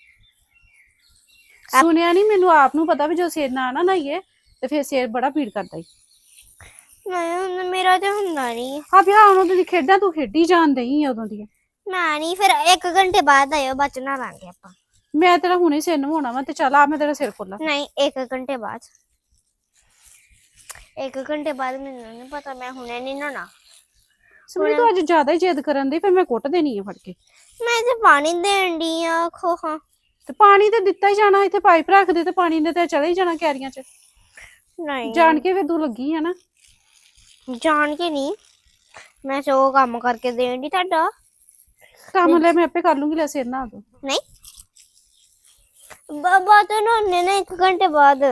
Speaker 1: ਸੁਣਿਆ ਨਹੀਂ, ਮੈਨੂੰ ਆਪ ਨੂੰ ਪਤਾ ਵੀ ਜੋ ਸਿਰ ਨਾ ਨਹਾਈਏ ਤੇ ਫਿਰ ਸਿਰ ਬੜਾ ਪੀੜ ਕਰਦਾ ਈ।
Speaker 2: ਨਹੀਂ ਮੇਰਾ ਤੇ ਹੁੰਦਾ ਨਹੀਂ।
Speaker 1: ਆ ਵਿਆਹ ਉਦੋਂ ਦੀ ਖੇਡਾਂ ਤੂੰ ਖੇਡੀ ਜਾਣ ਦਈ ਉਦੋਂ ਦੀਆਂ।
Speaker 2: ਮੈਂ ਨਹੀਂ, ਫਿਰ 1 ਘੰਟੇ ਬਾਅਦ ਆਇਓ, ਬਾਅਦ ਚ ਨਹਾ ਲਾਂਗੇ ਆਪਾਂ।
Speaker 1: ਮੈਂ ਤੇਰਾ ਹੁਣੇ ਸਿਰ ਨਵਾਉਣਾ ਵਾ, ਤੇ ਚੱਲ ਆ ਮੈਂ ਤੇਰਾ ਸਿਰ ਖੋਲਾਂ।
Speaker 2: ਨਹੀਂ 1 ਘੰਟੇ ਬਾਅਦ, 1 ਘੰਟੇ ਬਾਅਦ। ਮੈਨੂੰ ਨਹੀਂ ਪਤਾ, ਮੈਂ ਹੁਣੇ ਨਹੀਂ ਨਹਾਉਣਾ।
Speaker 1: ਸਮਝ ਤੂੰ ਅੱਜ ਜ਼ਿਆਦਾ ਹੀ ਜਿੱਦ ਕਰਨ ਦੀ, ਫਿਰ ਮੈਂ ਕੁੱਟ ਦੇਣੀ ਆ ਫੜ ਕੇ।
Speaker 2: ਮੈਂ ਤੇ ਪਾਣੀ ਦੇਣ ਦੀ ਆ ਖੋ ਹਾਂ।
Speaker 1: ਤੇ ਪਾਣੀ ਤੇ ਦਿੱਤਾ ਹੀ ਜਾਣਾ, ਇੱਥੇ ਪਾਈਪ ਰੱਖ ਦੇ ਤੇ ਪਾਣੀ ਨੇ ਤੇ ਚਲੇ ਹੀ ਜਾਣਾ ਕਿਆਰੀਆਂ ਚ।
Speaker 2: ਨਹੀਂ
Speaker 1: ਜਾਣ ਕੇ ਫਿਰ ਤੂੰ ਲੱਗੀ ਆ ਨਾ।
Speaker 2: ਜਾਣ ਕੇ ਨਹੀਂ, ਮੈਂ ਸੋ ਕੰਮ ਕਰਕੇ ਦੇਣ ਦੀ ਤੁਹਾਡਾ
Speaker 1: ਕੰਮ ਲੈ ਮੈਂ ਆਪੇ ਕਰ ਲੂੰਗੀ, ਲੈ ਸਿਰ ਨਹਾ ਦੋ।
Speaker 2: ਨਹੀਂ ਬਾਬਾ ਤਾਂ ਨਹਾਉਣੇ ਨਾ 1 ਘੰਟੇ ਬਾਅਦ।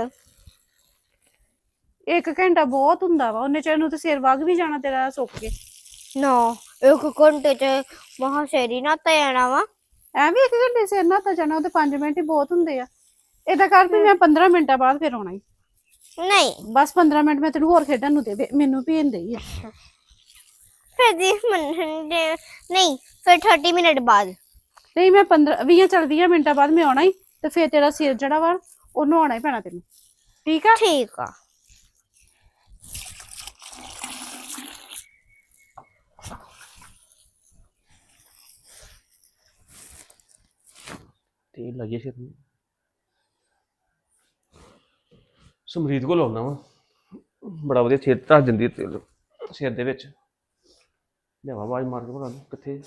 Speaker 1: 1 ਘੰਟਾ ਬਹੁਤ ਹੁੰਦਾ ਵਾ, ਉਹਨੇ ਚਿਰ ਨੂੰ ਤੇ ਸਿਰ ਵਗ ਵੀ ਜਾਣਾ ਤੇਰਾ ਸੁੱਕ ਕੇ।
Speaker 2: ਨਾ 1 ਘੰਟੇ ਚ ਮਹਾ ਸ਼ੇਰੀ ਨਾ ਜਾਣਾ ਵਾ।
Speaker 1: ਐਵੇਂ 1 ਘੰਟੇ ਸਿਰ ਨਹਾਤਾ ਜਾਣਾ, ਉਹ ਤੇ 5 ਮਿੰਟ ਹੀ ਬਹੁਤ ਹੁੰਦੇ ਆ। ਏਦਾਂ ਕਰ ਵੀ ਮੈਂ 15 ਮਿੰਟਾਂ ਬਾਅਦ ਫਿਰ ਆਉਣਾ ਹੀ।
Speaker 2: ਨਹੀਂ
Speaker 1: ਬਸ 15 ਮਿੰਟ ਮੈਂ ਤੈਨੂੰ ਹੋਰ ਖੇਡਣ ਨੂੰ ਦੇ, ਮੈਨੂੰ ਭੇਜ ਦੇਈ ਆ।
Speaker 2: ਫਿਰ ਨਹੀਂ ਫਿਰ 30 ਮਿੰਟ ਬਾਅਦ।
Speaker 1: ਨਹੀਂ ਮੈਂ 20 ਮਿੰਟਾਂ ਬਾਅਦ ਮੈਂ ਆਉਣਾ ਹੀ, ਤੇ ਫਿਰ ਤੇਰਾ ਸਿਰ ਜਿਹੜਾ ਵਾ ਉਹ ਨਹਾਉਣਾ ਹੀ ਪੈਣਾ ਤੈਨੂੰ, ਠੀਕ ਆ?
Speaker 2: ਠੀਕ ਆ।
Speaker 3: ਤੇਲ ਲਾਈਏ ਸਿਰ ਨੂੰ। ਸਮਰੀਤ ਕੋਲ ਆਉਣਾ ਵਾ, ਬੜਾ ਵਧੀਆ ਸਿਰ ਧਰ ਦਿੰਦੀ ਤੇਲ ਸਿਰ ਦੇ ਵਿੱਚ। ਲਿਆਵਾ ਆਵਾਜ਼ ਮਾਰ ਕੇ ਭਲਾ ਕਿੱਥੇ?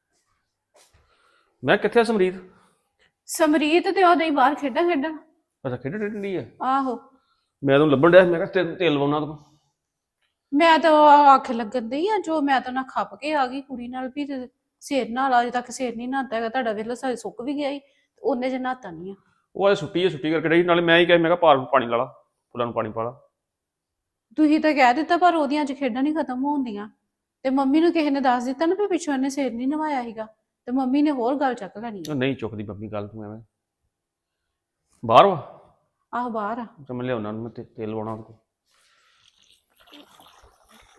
Speaker 3: ਮੈਂ ਕਿੱਥੇ ਆ ਸਮਰੀਤ?
Speaker 1: ਸਮਰੀਤ ਤੇ ਉਹਦੇ ਹੀ ਬਾਹਰ ਖੇਡਣ।
Speaker 3: ਅੱਛਾ ਖੇਡ ਡੰਡੀ ਆ।
Speaker 1: ਆਹੋ
Speaker 3: ਮੈਂ ਤੈਨੂੰ ਲੱਭਣ ਡਿਆ, ਮੈਂ ਕਿਹਾ ਤੇਲ ਲਵਾਉਣਾ ਤੂੰ।
Speaker 1: ਮੈਂ ਤਾਂ ਅੱਖ ਲੱਗਣ ਡਈ ਆ, ਜੋ ਮੈਂ ਤਾਂ ਨਾ ਖੱਪ ਕੇ ਆ ਗਈ ਕੁੜੀ ਨਾਲ ਵੀ ਤੇ ਸਿਰ ਨਾਲ ਅਜੇ ਤੱਕ ਸਿਰ ਨਹੀਂ ਨਹਾਤਾ ਹੈਗਾ ਤੁਹਾਡਾ। ਵੇਲਾ ਸਾਰੇ ਸੁੱਕ ਵੀ ਗਿਆ ਸੀ, ਉਹਨੇ ਜੇ ਨਹਾਤਾ ਨਹੀਂ ਆ।
Speaker 3: ਉਹ ਅੱਜ ਛੁੱਟੀ ਕਰਕੇ ਡਈ, ਨਾਲੇ ਮੈਂ ਹੀ ਕਿਹਾ, ਮੈਂ ਕਿਹਾ ਪਾਣੀ ਲਾ ਲਾ, ਫੁੱਲਾਂ ਨੂੰ ਪਾਣੀ ਪਾ ਲਾ।
Speaker 1: ਤੁਸੀਂ ਤਾਂ ਕਹਿ ਦਿੱਤਾ, ਪਰ ਉਹਦੀਆਂ ਅੱਜ ਖੇਡਾਂ ਨਹੀਂ ਖਤਮ ਹੋਣਦੀਆਂ। ਤੇ ਮੰਮੀ ਨੂੰ ਕਿਸੇ ਨੇ ਦੱਸ ਦਿੱਤਾ ਨਾ ਵੀ ਪਿੱਛੋਂ ਇਹਨੇ ਸਿਰ ਨਹੀਂ ਨਵਾਇਆ ਸੀਗਾ, ਤੇ ਮੰਮੀ ਨੇ ਹੋਰ ਗੱਲ ਚੱਕ ਲੈਣੀ ਆ।
Speaker 3: ਨਹੀਂ ਚੁੱਕਦੀ ਮੰਮੀ ਗੱਲ, ਤੂੰ ਐਵੇਂ ਬਾਹਰ ਵਾ।
Speaker 1: ਆਹੋ ਬਾਹਰ ਆ।
Speaker 3: ਤੇ ਮੈਂ ਲਿਆਉਣਾ, ਮੈਂ ਤੇਲ ਲਵਾਉਣਾ ਉਹਦੇ ਕੋਲ।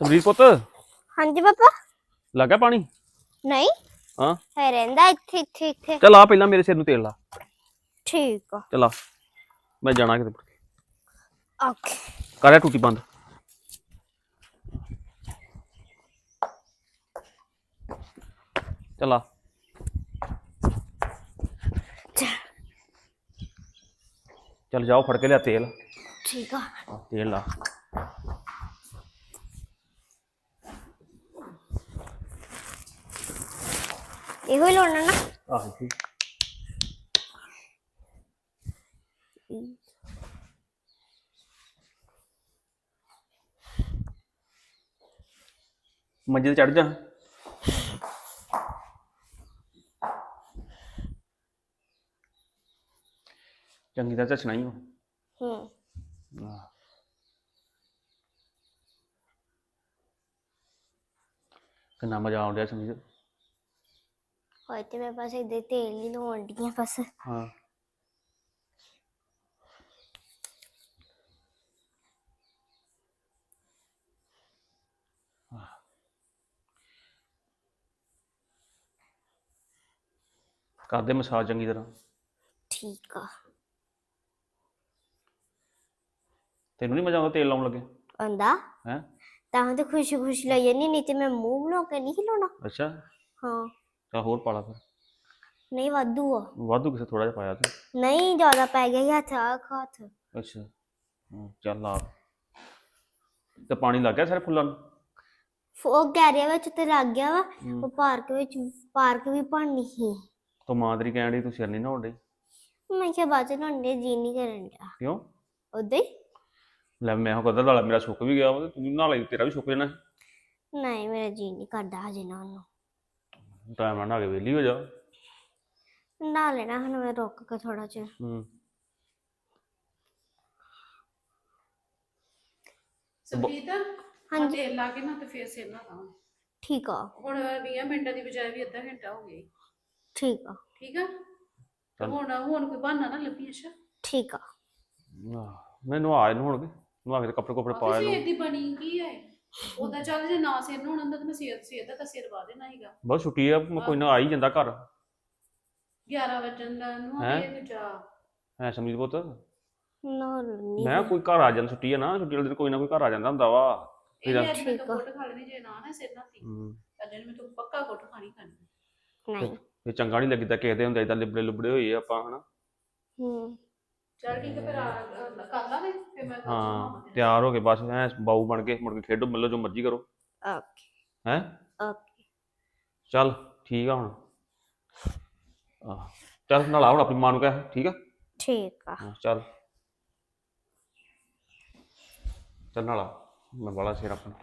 Speaker 3: ਸਮਰੀਤ ਪੁੱਤ
Speaker 2: ਹਾਂਜੀ ਪਾਪਾ
Speaker 3: ਲੱਗਾ ਪਾਣੀ
Speaker 2: ਨਹੀਂ
Speaker 3: ਹਾਂ
Speaker 2: ਹੈ ਰਹਿੰਦਾ ਇੱਥੇ ਇੱਥੇ ਇੱਥੇ
Speaker 3: ਚੱਲ ਆ ਪਹਿਲਾਂ ਮੇਰੇ ਸਿਰ ਨੂੰ ਤੇਲ ਲਾ
Speaker 2: ਠੀਕ ਆ
Speaker 3: ਚੱਲ ਆ ਮੈਂ ਜਾਣਾ ਕਿਤੇ
Speaker 2: ਓਕੇ
Speaker 3: ਕਰਿਆ ਟੂਟੀ ਬੰਦ ਚੱਲ ਆ ਚੱਲ ਜਾਓ ਫੜ ਕੇ ਲਿਆ ਤੇਲ
Speaker 2: ਠੀਕ ਆ
Speaker 3: ਤੇਲ ਲਾ
Speaker 2: ਇਹੋ ਹੀ ਲਾਉਣਾ ਨਾ
Speaker 3: ਆਹੋ ਠੀਕ ਮੰਜੇ ਤੇ ਚੜ ਜਾ ਚੰਗੀ ਤਰ੍ਹਾਂ ਝੱਛਣਾ ਹੀ ਕਿੰਨਾ ਮਜ਼ਾ ਆਉਣ ਡਿਆ ਸਮਝ
Speaker 2: ਹੋਏ ਤੇ ਮੇਰੇ ਪਾਸ ਇਹਦੇ ਤੇਲ ਨਹੀਂ ਲਾਉਣ ਡੀਆਂ ਬਸ
Speaker 3: ਹਾਂ ਕਰਦੇ ਮਸਾਜ ਚੰਗੀ ਤਰ੍ਹਾਂ
Speaker 2: ਠੀਕ ਆ
Speaker 3: ਤੈਨੂੰ ਨਹੀਂ ਮਜ਼ਾ ਆਉਂਦਾ ਤੇਲ ਲਾਉਣ ਲੱਗੇ
Speaker 2: ਆਂਦਾ
Speaker 3: ਹੈ
Speaker 2: ਤਾਂ ਤੇ ਖੁਸ਼ੀ ਖੁਸ਼ੀ ਲਈ ਜਾਨੀ ਨਹੀਂ ਤੇ ਮੈਂ ਮੂੰਹ ਬਣਾ ਕੇ ਨਹੀਂ ਲਾਉਣਾ
Speaker 3: ਅੱਛਾ
Speaker 2: ਹਾਂ
Speaker 3: ਤਾਂ ਹੋਰ ਪਾਲਾ ਫਿਰ
Speaker 2: ਨਹੀਂ ਵਾਧੂ ਆ
Speaker 3: ਵਾਧੂ ਕਿਸੇ ਥੋੜਾ ਜਿਹਾ ਪਾਇਆ ਤੂੰ
Speaker 2: ਨਹੀਂ ਜ਼ਿਆਦਾ ਪੈ ਗਿਆ ਸੀ ਹੱਥ ਹੱਥ
Speaker 3: ਅੱਛਾ ਚੱਲ ਆ ਤੇ ਪਾਣੀ ਲੱਗ ਗਿਆ ਸਾਰੇ ਫੁੱਲਾਂ ਨੂੰ
Speaker 2: ਉਹ ਗੈਰਿਆ ਵਿੱਚ ਤੇ ਲੱਗ ਗਿਆ ਵਾ ਉਹ ਪਾਰਕ ਵੀ ਬਣਨੀ ਸੀ
Speaker 3: ਤੂੰ ਮਾਂ ਤੇਰੀ ਕਹਿਣ ਡਈ ਤੂੰ ਸਿਰ ਨਹੀਂ ਨਹਾਉਣ ਡਈ
Speaker 2: ਮੈਂ ਕਿਹਾ ਬਾਅਦ ਚ ਨਹਾਉਣ ਦੇ ਜੀ ਨਹੀਂ ਕਰਨ ਡਿਆ
Speaker 3: ਕਿਉਂ
Speaker 2: ਉਦਾਂ ਹੀ
Speaker 3: ਲੈ ਮੈਂ ਉਹ ਕਦਰ ਵਾਲਾ ਮੇਰਾ ਸੁੱਕ ਵੀ ਗਿਆ ਵਾ ਤੇ ਤੂੰ ਨਹਾ ਲਈ ਤੇਰਾ ਵੀ ਸੁੱਕ ਜਾਣਾ
Speaker 2: ਨਹੀਂ ਮੇਰਾ ਜੀ ਨਹੀਂ ਕਰਦਾ ਹਜੇ ਨਹਾਉਣ ਨੂੰ
Speaker 3: ਟਾਈਮ ਨਾਲ ਨਹਾ ਕੇ ਵਿਹਲੀ ਹੋ ਜਾ
Speaker 2: ਨਹਾ ਲੈਣਾ ਹੁਣ ਮੈਂ ਰੁਕ ਕੇ ਥੋੜਾ ਜਿਹਾ
Speaker 1: ਸਮਰੀਤ
Speaker 2: ਹਾਂਜੀ।
Speaker 1: ਤੇਲ ਲਾ ਕੇ ਨਾ ਤੇ ਫੇਰ ਸਿਰ ਨਾ ਲਾਵਾਂ
Speaker 2: ਠੀਕ ਆ
Speaker 1: ਹੁਣ 20 ਮਿੰਟਾਂ ਦੀ ਬਜਾਏ ਵੀ ਅੱਧਾ ਘੰਟਾ ਹੋ ਗਿਆ ਈ।
Speaker 2: ਠੀਕ ਆ
Speaker 1: ਠੀਕ ਆ ਤੇ ਹੁਣ ਕੋਈ ਬਹਾਨਾ ਨਾ ਲੱਭੀ ਅੱਛਾ
Speaker 2: ਠੀਕ ਆ
Speaker 3: ਮੈਂ ਨਹਾ ਇਹਨੂੰ ਹੁਣ ਨਹਾ ਕੇ ਕੱਪੜੇ ਕੁਪੜੇ ਪਾ
Speaker 1: ਸਵੇਰ
Speaker 3: ਇਹਨੂੰ
Speaker 1: ਦੀ ਬਣੀ ਕੀ ਹੈ ਉਹਦਾ ਚੱਲ ਜੇ ਨਾ ਸਿਰ ਨੂੰ ਹੁੰਦਾ ਤਾਂ ਮੈਂ ਸਿਰ ਦਾ ਤਾਂ ਸਿਰ ਵਾ ਦੇਣਾ ਸੀਗਾ
Speaker 3: ਬਹੁਤ ਛੁੱਟੀ ਆ ਮੈਂ ਕੋਈ ਨਾ ਆ ਹੀ ਜਾਂਦਾ ਘਰ
Speaker 1: 11 ਵਜੇ ਦਾ ਨੂੰ
Speaker 3: ਹੈਂ?
Speaker 1: ਇਹ ਜਾ
Speaker 3: ਹੈ ਸਮਰੀਤ ਪੁੱਤ
Speaker 2: ਨਾ ਨਹੀਂ
Speaker 3: ਮੈਂ ਕੋਈ ਘਰ ਆ ਜਾਂਦਾ ਛੁੱਟੀ ਆ ਨਾ ਛੁੱਟੀ ਵਾਲੇ ਦਿਨ ਕੋਈ ਨਾ ਕੋਈ ਘਰ ਆ ਜਾਂਦਾ ਹੁੰਦਾ ਵਾ
Speaker 1: ਇਹ ਅੱਜ ਮੈਂ ਤਾਂ ਕੋਟ ਖਾ ਲੈਣੀ ਜੇ ਨਾ ਸਿਰ ਨਾ ਤੀ
Speaker 3: ਹੂੰ
Speaker 1: ਅੱਜ ਮੈਂ ਤਾਂ ਪੱਕਾ ਕੋਟ ਖਾਣੀ
Speaker 2: ਨਹੀਂ
Speaker 3: ਇਹ ਚੰਗਾ ਨਹੀਂ ਲੱਗਦਾ ਕਿਸੇ ਦੇ ਹੁੰਦੇ ਇਦਾਂ ਲਿਬੜੇ ਲੁਬੜੇ ਹੋਏ ਆਪਾਂ ਹਨਾ
Speaker 1: ਚੱਲ ਠੀਕ ਹੈ ਫਿਰ ਕਰ ਲਾ ਦੇ ਫਿਰ ਮੈਂ
Speaker 3: ਹਾਂ ਤਿਆਰ ਹੋ ਕੇ ਬਸ ਐ ਬਾਊ ਬਣ ਕੇ ਮੁੜ ਕੇ ਖੇਡੋ ਮੱਲੋ ਜੋ ਮਰਜ਼ੀ ਕਰੋ
Speaker 2: ਓਕੇ
Speaker 3: ਹੈ
Speaker 2: ਓਕੇ
Speaker 3: ਚੱਲ ਠੀਕ ਆ ਹੁਣ ਆਹ ਚੱਲ ਨਾਲ ਹੁਣ ਆਪਣੀ ਮਾਂ ਨੂੰ ਕਹਿ ਠੀਕ ਆ
Speaker 2: ਠੀਕ ਆ
Speaker 3: ਚੱਲ ਚੱਲ ਨਾਲ ਮੈਂ ਬਾਲਾ ਸਿਰ ਆਪਣਾ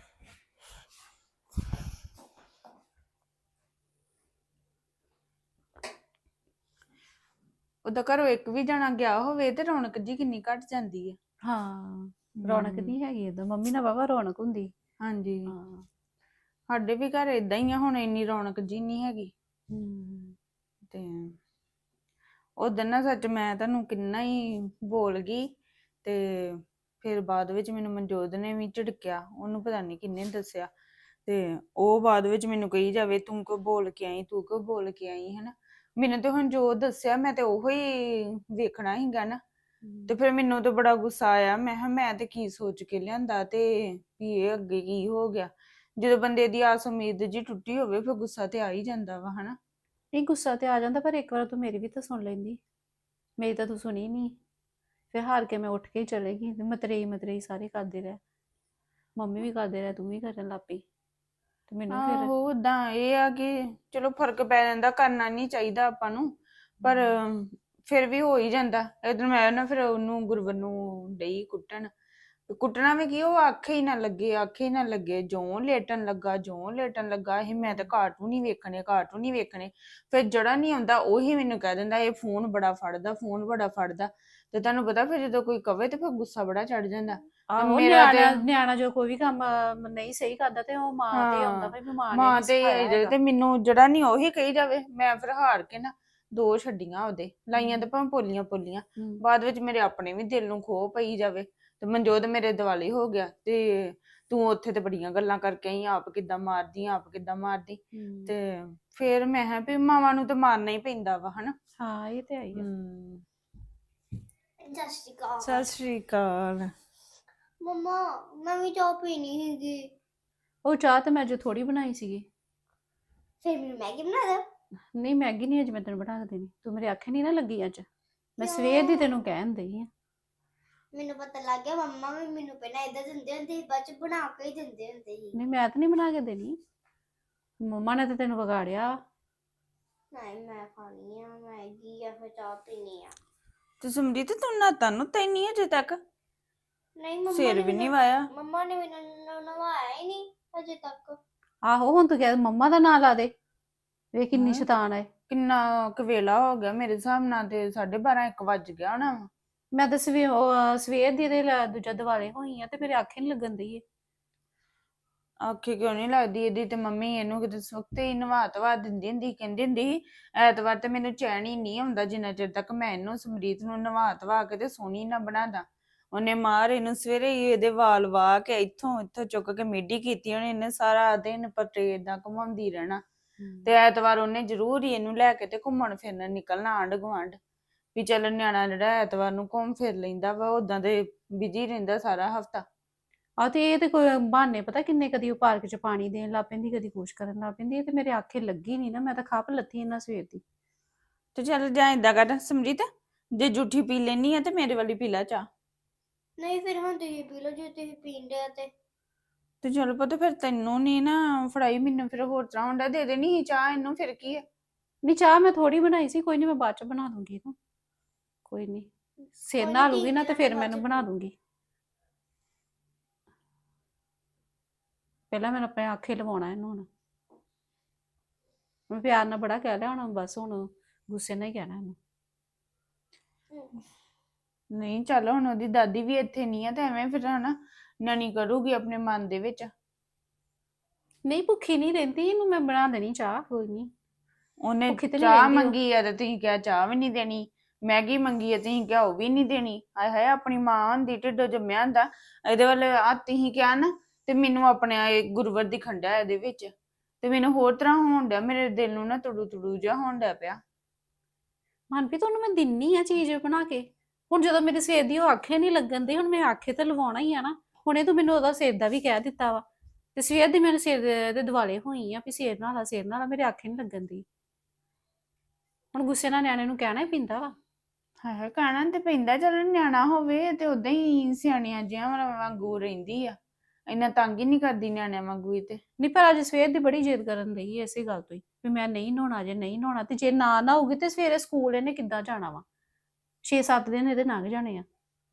Speaker 5: ਉਹਦਾ ਘਰੋਂ ਇੱਕ ਵੀ ਜਣਾ ਗਿਆ ਹੋਵੇ ਤੇ ਰੌਣਕ ਜੀ ਕਿੰਨੀ ਘਟ ਜਾਂਦੀ ਹੈ
Speaker 6: ਹਾਂ ਰੌਣਕ ਨਹੀਂ ਹੈਗੀ ਉਦੋਂ ਮੰਮੀ ਨਾਲ ਵਾਵਾ ਰੌਣਕ ਹੁੰਦੀ
Speaker 5: ਹਾਂਜੀ
Speaker 6: ਹਾਂ
Speaker 5: ਸਾਡੇ ਵੀ ਘਰ ਇਦਾਂ ਹੀ ਆ ਹੁਣ ਇੰਨੀ ਰੌਣਕ ਜੀ ਨਹੀਂ ਹੈਗੀ ਤੇ ਉਦੋਂ ਨਾ ਸੱਚ ਮੈਂ ਤੁਹਾਨੂੰ ਕਿੰਨਾ ਹੀ ਬੋਲ ਗਈ ਤੇ ਫਿਰ ਬਾਅਦ ਵਿੱਚ ਮੈਨੂੰ ਮਨਜੋਤ ਨੇ ਵੀ ਝਿੜਕਿਆ ਉਹਨੂੰ ਪਤਾ ਨਹੀਂ ਕਿੰਨੇ ਦੱਸਿਆ ਤੇ ਉਹ ਬਾਅਦ ਵਿੱਚ ਮੈਨੂੰ ਕਹੀ ਜਾਵੇ ਤੂੰ ਕਿਉਂ ਬੋਲ ਕੇ ਆਈ ਤੂੰ ਕਿਉਂ ਬੋਲ ਕੇ ਆਈ ਹਨਾ ਮੈਨੂੰ ਤੇ ਹੁਣ ਜੋ ਦੱਸਿਆ ਮੈਂ ਤੇ ਉਹੋ ਹੀ ਵੇਖਣਾ ਹੀਗਾ ਨਾ ਤੇ ਫਿਰ ਮੈਨੂੰ ਤੇ ਬੜਾ ਗੁੱਸਾ ਆਇਆ ਮੈਂ ਕਿਹਾ ਮੈਂ ਤੇ ਕੀ ਸੋਚ ਕੇ ਲਿਆਂਦਾ ਤੇ ਵੀ ਇਹ ਅੱਗੇ ਕੀ ਹੋ ਗਿਆ ਜਦੋਂ ਬੰਦੇ ਦੀ ਆਸ ਉਮੀਦ ਜੀ ਟੁੱਟੀ ਹੋਵੇ ਫਿਰ ਗੁੱਸਾ ਤੇ ਆ ਹੀ ਜਾਂਦਾ ਵਾ ਹਨਾ
Speaker 6: ਨਹੀਂ ਗੁੱਸਾ ਤੇ ਆ ਜਾਂਦਾ ਪਰ ਇੱਕ ਵਾਰ ਤੂੰ ਮੇਰੀ ਵੀ ਤਾਂ ਸੁਣ ਲੈਂਦੀ ਮੇਰੀ ਤਾਂ ਤੂੰ ਸੁਣੀ ਨਹੀਂ ਫਿਰ ਹਾਰ ਕੇ ਮੈਂ ਉੱਠ ਕੇ ਹੀ ਚਲੇ ਗਈ ਤੇ ਮਤਰੇਈ ਸਾਰੇ ਕਰਦੇ ਰਹੇ ਮੰਮੀ ਵੀ ਕਰਦੇ ਰਹੇ ਤੂੰ ਵੀ ਕਰਨ ਲੱਗ ਪਈ ਤੇ ਮੈਨੂੰ ਫਿਰ
Speaker 5: ਆਹੋ ਉਦਾਂ ਇਹ ਆ ਕਿ ਚਲੋ ਫਰਕ ਪੈ ਜਾਂਦਾ ਕਰਨਾ ਨਹੀਂ ਚਾਹੀਦਾ ਆਪਾਂ ਨੂੰ ਪਰ ਫਿਰ ਵੀ ਹੋ ਹੀ ਜਾਂਦਾ ਇਧਰ ਮੈਂ ਨਾ ਫਿਰ ਉਹਨੂੰ ਗੁਰਵਰ ਨੂੰ ਡਈ ਕੁੱਟਣਾ ਵੀ ਕੀ ਉਹ ਆਖੇ ਹੀ ਨਾ ਲੱਗੇ ਜਿਉਂ ਲੇਟਣ ਲੱਗਾ ਇਹ ਮੈਂ ਤਾਂ ਕਾਰਟੂਨ ਹੀ ਵੇਖਣੇ ਫਿਰ ਜਿਹੜਾ ਨਹੀਂ ਆਉਂਦਾ ਉਹੀ ਮੈਨੂੰ ਕਹਿ ਦਿੰਦਾ ਇਹ ਫੋਨ ਬੜਾ ਫੜਦਾ ਤੇ ਤੁਹਾਨੂੰ ਪਤਾ ਫਿਰ ਜਦੋਂ ਕੋਈ ਕਵੇ ਤੇ ਫਿਰ ਗੁੱਸਾ ਬੜਾ ਚੜ ਜਾਂਦਾ
Speaker 6: ਆਹੋ
Speaker 5: ਮੇਰਾ
Speaker 6: ਨਿਆਣਾ ਜੋ ਕੋਈ ਵੀ ਕੰਮ ਨਹੀਂ ਸਹੀ ਕਰਦਾ ਤੇ ਉਹ ਮਾਂ ਤੇ ਆਉਂਦਾ ਵੀ
Speaker 5: ਮਾਂ ਤੇ ਤੇ ਮੈਨੂੰ ਜਿਹੜਾ ਨਹੀਂ ਉਹੀ ਕਹੀ ਜਾਵੇ ਮੈਂ ਫਿਰ ਹਾਰ ਕੇ ਨਾ 2 ਛੱਡੀਆਂ ਉਹਦੇ ਲਾਈਆਂ ਤੇ ਭਾਵੇਂ ਪੋਲੀਆਂ ਬਾਅਦ ਵਿੱਚ ਮੇਰੇ ਆਪਣੇ ਵੀ ਦਿਲ ਨੂੰ ਖੋਹ ਪਈ ਜਾਵੇ ਤੇ ਮਨਜੋਤ ਮੇਰੇ ਦਿਵਾਲੀ ਹੋ ਗਿਆ ਤੇ ਤੂੰ ਉੱਥੇ ਤੇ ਬੜੀਆਂ ਗੱਲਾਂ ਕਰਕੇ ਆਈ ਆਪ ਕਿੱਦਾਂ ਮਾਰਦੀ ਤੇ ਫਿਰ ਮੈਂ ਕਿਹਾ ਵੀ ਮਾਵਾਂ ਨੂੰ ਤਾਂ ਮਾਰਨਾ ਹੀ ਪੈਂਦਾ ਵਾ ਹਨਾ।
Speaker 6: ਹਾਂ ਇਹ ਤੇ ਆਈ ਆ।
Speaker 2: ਸਤਿ ਸ਼੍ਰੀ ਅਕਾਲ।
Speaker 5: ਸਤਿ ਸ਼੍ਰੀ ਅਕਾਲ।
Speaker 2: ਮੰਮਾ ਮੈਂ ਵੀ ਚਾਹ ਪੀਣੀ ਹੈਗੀ।
Speaker 6: ਉਹ ਚਾਹ ਤੇ ਮੈਂ ਅੱਜ ਥੋੜੀ ਬਣਾਈ ਸੀਗੀ।
Speaker 2: ਫਿਰ ਮੈਨੂੰ ਮੈਗੀ ਬਣਾ ਦੋ।
Speaker 6: ਨਹੀਂ ਮੈਗੀ ਨਹੀਂ ਅੱਜ ਮੈਂ ਤੈਨੂੰ ਬਣਾ ਕੇ ਦੇਣੀ, ਤੂੰ ਮੇਰੇ ਆਖੇ ਨਹੀਂ ਨਾ ਲੱਗੀ ਅੱਜ। ਮੈਂ ਸਵੇਰ ਦੀ ਤੈਨੂੰ ਕਹਿਣ ਦਈ ਆ।
Speaker 2: ਮੈਨੂੰ ਪਤਾ ਲੱਗ ਗਿਆ ਮੰਮਾ ਵੀ ਮੈਨੂੰ ਪਹਿਲਾਂ ਏਦਾਂ ਦਿੰਦੇ ਹੁੰਦੇ ਸੀ, ਬਾਅਦ ਚ ਬਣਾ ਕੇ ਹੀ ਦਿੰਦੇ ਹੁੰਦੇ ਸੀ।
Speaker 6: ਨਹੀਂ ਮੈਂ ਤਾਂ ਨਹੀਂ ਬਣਾ ਕੇ ਦੇਣੀ, ਮੰਮਾ ਨੇ ਤਾਂ ਤੈਨੂੰ ਵਿਗਾੜਿਆ।
Speaker 2: ਨਹੀਂ ਮੈਂ ਖਾਣੀ ਆ ਮੈਗੀ ਜਾਂ ਫਿਰ ਚਾਹ ਪੀਣੀ ਆ।
Speaker 5: ਤੇ ਸਮਰੀਤ ਤੂੰ ਨਾਤਾ ਨੂੰ ਤੈਨੂੰ ਅਜੇ ਤੱਕ
Speaker 2: ਨਹੀਂ ਮੰਮਾ
Speaker 5: ਸਿਰ ਵੀ ਨਹੀਂ ਵਾਇਆ।
Speaker 2: ਮੰਮਾ ਨੇ ਮੈਨੂੰ ਨਵਾਇਆ ਹੀ ਨਹੀਂ ਅਜੇ ਤੱਕ।
Speaker 6: ਆਹੋ ਹੁਣ ਤੂੰ ਕਹਿ ਮੰਮਾ ਦਾ ਨਾਂ ਲਾ ਦੇ, ਵੇਖ ਕਿੰਨੀ
Speaker 5: ਹਾਂ।
Speaker 6: ਸ਼ੈਤਾਨ ਹੈ।
Speaker 5: ਕਿੰਨਾ ਕੁ ਵੇਲਾ ਹੋ ਗਿਆ ਮੇਰੇ ਹਿਸਾਬ ਨਾਲ ਤੇ 12:30 1 ਵੱਜ ਗਿਆ ਹੋਣਾ ਵਾ।
Speaker 6: ਮੈਂ ਤਾਂ ਸਵੇਰ ਦੀ ਇਹਦੇ ਦੂਜਾ ਦਿਵਾਲੇ ਹੋਈ ਆ ਤੇ ਮੇਰੇ ਆਖੇ ਨਹੀਂ ਲੱਗਣ ਦਈ।
Speaker 5: ਆਖੇ ਕਿਉਂ ਨਹੀਂ ਲੱਗਦੀ ਇਹਦੀ ਤੇ ਮੰਮੀ ਇਹਨੂੰ ਕਿਤੇ ਸੁੱਤੇ ਹੀ ਨਵਾ ਧਵਾ ਦਿੰਦੀ ਹੁੰਦੀ, ਕਹਿੰਦੀ ਹੁੰਦੀ ਸੀ ਐਤਵਾਰ ਤੇ ਮੈਨੂੰ ਚੈਨ ਹੀ ਨਹੀਂ ਹੁੰਦਾ ਜਿੰਨਾ ਚਿਰ ਤੱਕ ਮੈਂ ਇਹਨੂੰ ਸਮਰੀਤ ਨੂੰ ਨਵਾ ਧਵਾ ਕੇ ਤੇ ਸੋਹਣੀ ਨਾ ਬਣਾਦਾ। ਉਹਨੇ ਮਾਰ ਇਹਨੂੰ ਸਵੇਰੇ ਹੀ ਇਹਦੇ ਵਾਲ ਵਾਹ ਕੇ ਇੱਥੋਂ ਚੁੱਕ ਕੇ ਮੇਢੀ ਕੀਤੀ ਉਹਨੇ, ਇਹਨੇ ਸਾਰਾ ਦਿਨ ਪੱਟੇ ਏਦਾਂ ਘੁਮਾਉਂਦੀ ਰਹਿਣਾ। ਤੇ ਐਤਵਾਰ ਉਹਨੇ ਜ਼ਰੂਰ ਹੀ ਇਹਨੂੰ ਲੈ ਕੇ ਤੇ ਘੁੰਮਣ ਫਿਰਨ ਨਿਕਲਣਾ ਆਂਢ ਗੁਆਂਢ ਵੀ ਚੱਲ ਨਿਆਣਾ ਜਿਹੜਾ ਐਤਵਾਰ ਨੂੰ ਘੁੰਮ ਫਿਰ ਲੈਂਦਾ ਵਾ, ਉਦਾਂ ਦੇ ਬਿਜੀ ਰਹਿੰਦਾ ਸਾਰਾ ਹਫਤਾ।
Speaker 6: ਆ ਤੇ ਇਹ ਤੇ ਕੋਈ ਬਹਾਨੇ ਪਤਾ ਕਿੰਨੇ, ਕਦੀ ਉਹ ਪਾਰਕ 'ਚ ਪਾਣੀ ਦੇਣ ਲੱਗ ਪੈਂਦੀ, ਕਦੀ ਕੁਛ ਕਰਨ ਲੱਗ ਪੈਂਦੀ। ਇਹ ਤੇ ਮੇਰੇ ਆਖੇ ਲੱਗੀ ਨਹੀਂ ਨਾ, ਮੈਂ ਤਾਂ ਖੱਪ ਲੱਥੀ ਇਹਨਾਂ ਸਵੇਰ ਦੀ।
Speaker 5: ਤੇ ਚੱਲ ਜਾਂ ਏਦਾਂ ਕਰ ਸਮਰੀਤ, ਜੇ ਜੂਠੀ ਪੀ ਲੈਣੀ ਆ ਤੇ ਮੇਰੇ ਵਾਲੀ ਪੀ ਲੈ ਚਾਹ।
Speaker 2: ਨਹੀਂ ਫਿਰ ਹੁਣ ਤੁਸੀਂ ਪੀ ਲਓ ਜੇ ਤੁਸੀਂ ਪੀਂਦੇ ਆ
Speaker 5: ਤੇ ਚਲ ਪਤਾ ਫਿਰ ਤੈਨੂੰ ਨਹੀਂ ਨਾ ਫੜਾਈ, ਮੈਨੂੰ ਫਿਰ ਹੋਰ ਤਰ੍ਹਾਂ ਹੁੰਦਾ ਦੇ ਦੇਣੀ ਸੀ ਚਾਹ ਇਹਨੂੰ, ਫਿਰ ਕੀ ਹੈ।
Speaker 6: ਨਹੀਂ ਚਾਹ ਮੈਂ ਥੋੜੀ ਬਣਾਈ ਸੀ, ਕੋਈ ਨਹੀਂ ਮੈਂ ਬਾਅਦ 'ਚ ਬਣਾ ਦੂੰਗੀ ਇਹਨੂੰ, ਕੋਈ ਨਹੀਂ। ਸਿਰ
Speaker 2: ਕੋਈ
Speaker 6: ਨਹਾ
Speaker 2: ਨੀ,
Speaker 6: ਲੂਗੀ ਨਾ ਤੇ
Speaker 2: ਠੀਕ
Speaker 6: ਫਿਰ
Speaker 2: ਹੈ,
Speaker 6: ਮੈਨੂੰ
Speaker 2: ਬਾਅਦ 'ਚ
Speaker 6: ਬਣਾ ਦੂੰਗੀ। ਪਹਿਲਾਂ ਮੈਨੂੰ ਆਪਣੇ ਆਖੇ ਲਵਾਉਣਾ ਇਹਨੂੰ। ਹੁਣ ਮੈਂ ਪਿਆਰ ਨਾਲ ਬੜਾ ਕਹਿ ਲਿਆ, ਹੁਣ ਬਸ ਹੁਣ ਗੁੱਸੇ ਨਾਲ ਹੀ ਕਹਿਣਾ ਇਹਨੂੰ।
Speaker 5: ਨਹੀਂ ਚੱਲ ਹੁਣ ਉਹਦੀ ਦਾਦੀ ਵੀ ਇੱਥੇ ਨਹੀਂ ਆ ਤੇ ਐਵੇਂ ਫਿਰ ਹਨਾ ਨਾਨੀ ਕਰੂਗੀ ਆਪਣੇ ਮਨ ਦੇ ਵਿੱਚ।
Speaker 6: ਨਹੀਂ ਭੁੱਖੀ ਨਹੀਂ ਰਹਿੰਦੀ, ਇਹਨੂੰ ਮੈਂ ਬਣਾ ਦੇਣੀ ਚਾਹ, ਕੋਈ ਨਹੀਂ।
Speaker 5: ਉਹਨੇ
Speaker 6: ਭੁੱਖੀ ਤੇ ਨੀ
Speaker 5: ਚਾਹ
Speaker 6: ਰਹਿੰਦੀ ਉਹ।
Speaker 5: ਮੰਗੀ ਆ ਤੇ ਤੁਸੀਂ ਕਿਹਾ ਚਾਹ ਵੀ ਨਹੀਂ ਦੇਣੀ, ਮੈਗੀ ਮੰਗੀ ਆ ਤੁਸੀਂ ਕਿਹਾ ਉਹ ਵੀ ਨਹੀਂ ਦੇਣੀ। ਹਾਏ ਹਾਏ ਆਪਣੀ ਮਾਂ ਹੁੰਦੀ ਢਿੱਡੋਂ ਜੰਮਿਆ ਹੁੰਦਾ, ਇਹਦੇ ਵੱਲ ਆ ਤੁਸੀਂ ਕਿਹਾ ਨਾ ਤੇ ਮੈਨੂੰ ਆਪਣੇ ਗੁਰਵਰ ਦੀ ਖੰਡਾ ਇਹਦੇ ਵਿੱਚ ਤੇ ਮੈਨੂੰ ਹੋਰ ਤਰ੍ਹਾਂ ਹੋਣ ਡਿਆ, ਮੇਰੇ ਦਿਲ ਨੂੰ ਨਾ ਤੁੜੂ ਜਿਹਾ ਹੋਣ ਡਿਆ ਪਿਆ।
Speaker 6: ਮਨਪ੍ਰੀਤ ਉਹਨੂੰ ਮੈਂ ਦਿੰਨੀ ਆ ਚੀਜ਼ ਬਣਾ ਕੇ, ਹੁਣ ਜਦੋਂ ਮੇਰੇ ਸਿਰ ਦੀ ਉਹ ਆਖੇ ਨਹੀਂ ਲੱਗਣ ਦੀ, ਹੁਣ ਮੈਂ ਆਖੇ ਤਾਂ ਲਵਾਉਣਾ ਹੀ ਆ ਨਾ। ਹੁਣੇ ਤੂੰ ਮੈਨੂੰ ਉਹਦਾ ਸਿਰ ਦਾ ਵੀ ਕਹਿ ਦਿੱਤਾ ਵਾ ਤੇ ਸਵੇਰ ਦੀ ਮੈਨੂੰ ਸਿਰ ਦੇ ਦੁਆਲੇ ਹੋਈ ਆ ਵੀ ਸਿਰ ਨਾਲ ਮੇਰੇ ਆਖੇ ਨਹੀਂ ਲੱਗਣ ਦੀ। ਹੁਣ ਗੁੱਸੇ ਨਾਲ ਨਿਆਣੇ ਨੂੰ ਕਹਿਣਾ ਹੀ ਪੈਂਦਾ ਵਾ।
Speaker 5: ਹਾਏ ਕਹਿਣਾ ਤੇ ਪੈਂਦਾ, ਚਲ ਨਿਆਣਾ ਹੋਵੇ ਤੇ ਉਦਾਂ ਹੀ ਸਿਆਣੀਆਂ ਜਿਹੀਆਂ ਵਾਂਗੂ ਰਹਿੰਦੀ ਆ, ਇੰਨਾ ਤੰਗ ਹੀ ਨਹੀਂ ਕਰਦੀ ਨਿਆਣਿਆਂ ਵਾਂਗੂ ਹੀ। ਤੇ
Speaker 6: ਨਹੀਂ ਪਰ ਅੱਜ ਸਵੇਰ ਦੀ ਬੜੀ ਜਿੱਦ ਕਰਨ ਰਹੀ ਹੈ ਇਸੇ ਗੱਲ ਤੋਂ ਹੀ ਵੀ ਮੈਂ ਨਹੀਂ ਨਹਾਉਣਾ, ਜੇ ਨਹੀਂ ਨਹਾਉਣਾ ਤੇ ਜੇ ਨਾ ਨਹਾਉਗੀ ਤੇ ਸਵੇਰੇ ਸਕੂਲ ਇਹਨੇ ਕਿੱਦਾਂ ਜਾਣਾ ਵਾ। 6-7 ਦਿਨ ਇਹਦੇ ਲੰਘ ਜਾਣੇ ਆ,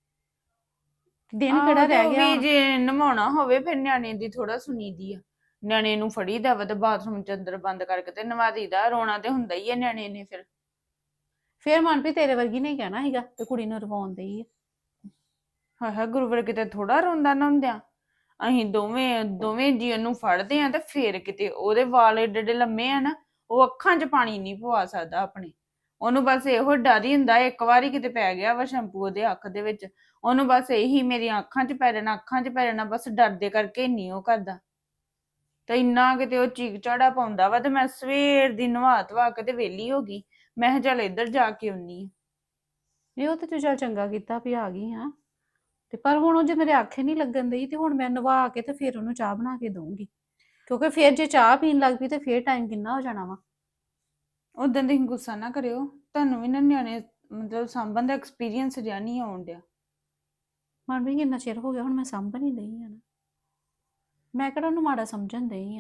Speaker 6: ਦਿਨ ਕਿਹੜਾ
Speaker 5: ਆਹੋ ਤੇ
Speaker 6: ਰਹਿ
Speaker 5: ਉਹ
Speaker 6: ਗਿਆ
Speaker 5: ਵੀ
Speaker 6: ਹੁਣ।
Speaker 5: ਜੇ ਨਵਾਉਣਾ ਹੋਵੇ ਫਿਰ ਨਿਆਣੇ ਦੀ ਥੋੜਾ ਸੁਣੀਦੀ ਆ। ਨਿਆਣੇ ਨੂੰ ਫੜੀਦਾ ਵਾ ਤੇ ਬਾਥਰੂਮ ਚ ਅੰਦਰ ਬੰਦ ਕਰਕੇ ਤੇ ਨਵਾ ਦਈਦਾ, ਰੋਣਾ ਤੇ ਹੁੰਦਾ ਹੀ ਆ ਨਿਆਣੇ ਨੇ।
Speaker 6: ਫਿਰ ਮਨਪ੍ਰੀਤ ਤੇਰੇ ਵਰਗੀ ਨਹੀਂ ਕਹਿਣਾ ਸੀਗਾ ਤੇ ਕੁੜੀ ਨੂੰ ਰਵਾਉਣ ਦੇਈ ਆ।
Speaker 5: ਹਾਏ ਹਾਏ ਗੁਰਵਰ ਕਿਤੇ ਥੋੜਾ ਰੋਂਦਾ ਨਹਾਉਂਦਿਆਂ, ਅਸੀਂ ਦੋਵੇਂ ਜੀ ਉਹਨੂੰ ਫੜਦੇ ਆ ਤੇ ਫੇਰ ਕਿਤੇ ਉਹਦੇ ਵਾਲ ਏਡੇ ਏਡੇ ਲੰਮੇ ਆ ਨਾ, ਉਹ ਅੱਖਾਂ 'ਚ ਪਾਣੀ ਨਹੀਂ ਪਵਾ ਸਕਦਾ ਆਪਣੇ। ਉਹਨੂੰ ਬਸ ਇਹੋ ਡਰ ਹੀ ਹੁੰਦਾ, ਇੱਕ ਵਾਰੀ ਕਿਤੇ ਪੈ ਗਿਆ ਵਾ ਸ਼ੈਂਪੂ ਉਹਦੇ ਅੱਖ ਦੇ ਵਿੱਚ, ਉਹਨੂੰ ਬਸ ਇਹੀ ਮੇਰੀਆਂ ਅੱਖਾਂ 'ਚ ਪੈ ਜਾਣਾ, ਬਸ ਡਰਦੇ ਕਰਕੇ ਨਹੀਂ ਉਹ ਕਰਦਾ। ਤੇ ਇੰਨਾ ਕਿਤੇ ਉਹ ਚੀਕ ਝਾੜਾ ਪਾਉਂਦਾ ਵਾ ਤੇ ਮੈਂ ਸਵੇਰ ਦੀ ਨਵਾ ਧਵਾ ਕੇ ਤੇ ਵਿਹਲੀ ਹੋ ਗਈ। ਮੈਂ ਕਿਹਾ ਚੱਲ ਇੱਧਰ ਜਾ ਕੇ ਆਉਣੀ ਆ।
Speaker 6: ਨਹੀਂ ਉਹ ਤੇ ਤੂੰ ਚੱਲ ਚੰਗਾ ਕੀਤਾ ਵੀ ਆ ਗਈ ਹਾਂ, ਤੇ ਪਰ ਹੁਣ ਉਹ ਜੇ ਮੇਰੇ ਆਖੇ ਨਹੀਂ ਲੱਗਣ ਦਈ ਤੇ ਹੁਣ ਮੈਂ ਨਵਾ ਕੇ ਤੇ ਫਿਰ ਉਹਨੂੰ ਚਾਹ ਬਣਾ ਕੇ ਦਊਂਗੀ, ਕਿਉਂਕਿ ਫਿਰ ਜੇ ਚਾਹ ਪੀਣ ਲੱਗ ਪਈ ਤੇ ਫਿਰ ਟਾਈਮ ਕਿੰਨਾ ਹੋ ਜਾਣਾ ਵਾ।
Speaker 5: ਉਦੋਂ ਤੁਸੀਂ ਗੁੱਸਾ ਨਾ ਕਰਿਓ, ਤੁਹਾਨੂੰ ਵੀ ਨਾ ਨਿਆਣੇ ਮਤਲਬ ਸਾਂਭਣ ਦਾ ਐਕਸਪੀਰੀਅੰਸ ਜਿਹਾ ਨਹੀਂ ਆਉਣ ਡਿਆ।
Speaker 6: ਮਨ ਵੀ ਕਿੰਨਾ ਚਿਰ ਹੋ ਗਿਆ ਹੁਣ ਮੈਂ ਸਾਂਭਣ ਹੀ ਦਈ ਆ ਨਾ, ਮੈਂ ਕਿਹੜਾ ਉਹਨੂੰ ਮਾੜਾ ਸਮਝਣ ਦਈ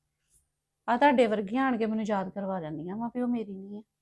Speaker 6: ਆ ਤੁਹਾਡੇ ਵਰਗੀਆਂ ਆਣ ਕੇ ਮੈਨੂੰ ਯਾਦ ਕਰਵਾ ਜਾਂਦੀਆਂ ਵਾ ਵੀ ਉਹ ਮੇਰੀ ਨਹੀਂ ਹੈ।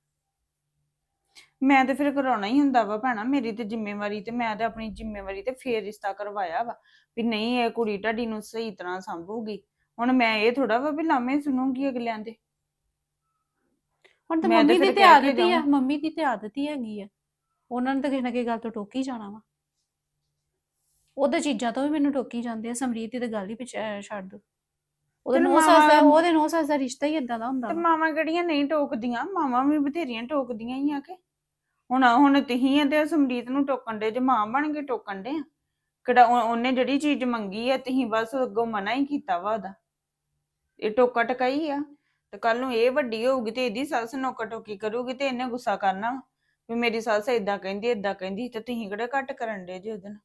Speaker 5: ਮੈਂ ਤੇ ਫਿਰ ਕਰਾਉਣਾ ਹੀ ਹੁੰਦਾ ਵਾ ਭੈਣਾ, ਮੇਰੀ ਤੇ ਜ਼ਿੰਮੇਵਾਰੀ ਤੇ ਮੈਂ ਤੇ ਆਪਣੀ ਜ਼ਿੰਮੇਵਾਰੀ ਤੇ ਫੇਰ ਰਿਸ਼ਤਾ ਕਰਵਾਇਆ ਵਾ ਵੀ ਨਹੀਂ ਇਹ ਕੁੜੀ ਤੁਹਾਡੀ ਨੂੰ ਸਹੀ ਤਰ੍ਹਾਂ ਸੰਭੂਗੀ। ਹੁਣ ਮੈਂ ਇਹ ਥੋੜਾ ਵਾ ਵੀ ਲਾਮੇ ਸੁਣੂਗੀ ਅਗਲਿਆਂ ਦੇ।
Speaker 6: ਹੁਣ ਤਾਂ
Speaker 5: ਮੈਂ ਤੇ
Speaker 6: ਮੰਮੀ ਦੀ
Speaker 5: ਫਿਰ
Speaker 6: ਤੇ
Speaker 5: ਕਹਿ ਕੇ
Speaker 6: ਆਦਤ ਹੀ ਆ,
Speaker 5: ਜਾਊਂ।
Speaker 6: ਮੰਮੀ ਦੀ ਤੇ ਆਦਤ ਹੀ ਹੈਗੀ ਆ, ਉਹਨਾਂ ਨੇ ਤਾਂ ਕਿਸੇ ਨਾ ਕਿਸੇ ਗੱਲ ਤੋਂ ਟੋਕੀ ਜਾਣਾ ਵਾ। ਉਹਦੇ ਚੀਜ਼ਾਂ ਤੋਂ ਵੀ ਮੈਨੂੰ ਟੋਕੀ ਜਾਂਦੇ ਆ, ਸਮਰੀਤ ਦੀ ਤਾਂ ਗੱਲ ਹੀ ਛੱਡ ਦੋ। ਉਹਦੇ
Speaker 5: ਚਲੋ
Speaker 6: ਨੌ ਸੱਸ ਦਾ ਰਿਸ਼ਤਾ ਹੀ ਇਦਾਂ ਦਾ ਹੁੰਦਾ
Speaker 5: ਤੇ
Speaker 6: ਵਾ।
Speaker 5: ਮਾਵਾਂ ਕਿਹੜੀਆਂ ਨਹੀਂ ਟੋਕਦੀਆਂ, ਮਾਵਾਂ ਵੀ ਬਥੇਰੀਆਂ ਟੋਕਦੀਆਂ ਹੀ ਆ ਕੇ। ਹੁਣ ਤੁਸੀਂ ਆ ਤੇ ਸਮਰੀਤ ਨੂੰ ਟੋਕਣ ਦੇ ਜੇ ਮਾਂ ਬਣ ਕੇ ਟੋਕਣ ਦੇ ਆ। ਕਿਹੜਾ ਉਹਨੇ ਜਿਹੜੀ ਚੀਜ਼ ਮੰਗੀ ਆ ਤੁਸੀਂ ਬਸ ਅੱਗੋਂ ਮਨਾ ਹੀ ਕੀਤਾ ਵਾ ਉਹਦਾ। ਇਹ ਟੋਕਾ ਟਕਾਈ ਆ। ਤੇ ਕੱਲ ਨੂੰ ਇਹ ਵੱਡੀ ਹੋਊਗੀ ਤੇ ਇਹਦੀ ਸੱਸ ਨੋਕਾ ਟੋਕੀ ਕਰੂਗੀ ਤੇ ਇਹਨੇ ਗੁੱਸਾ ਕਰਨਾ ਵਾ ਵੀ ਮੇਰੀ ਸੱਸ ਏਦਾਂ ਕਹਿੰਦੀ ਤੇ ਤੁਸੀਂ ਕਿਹੜੇ ਘੱਟ ਕਰਨ ਦੇ ਜੇ ਉਹਦੇ ਨਾਲ।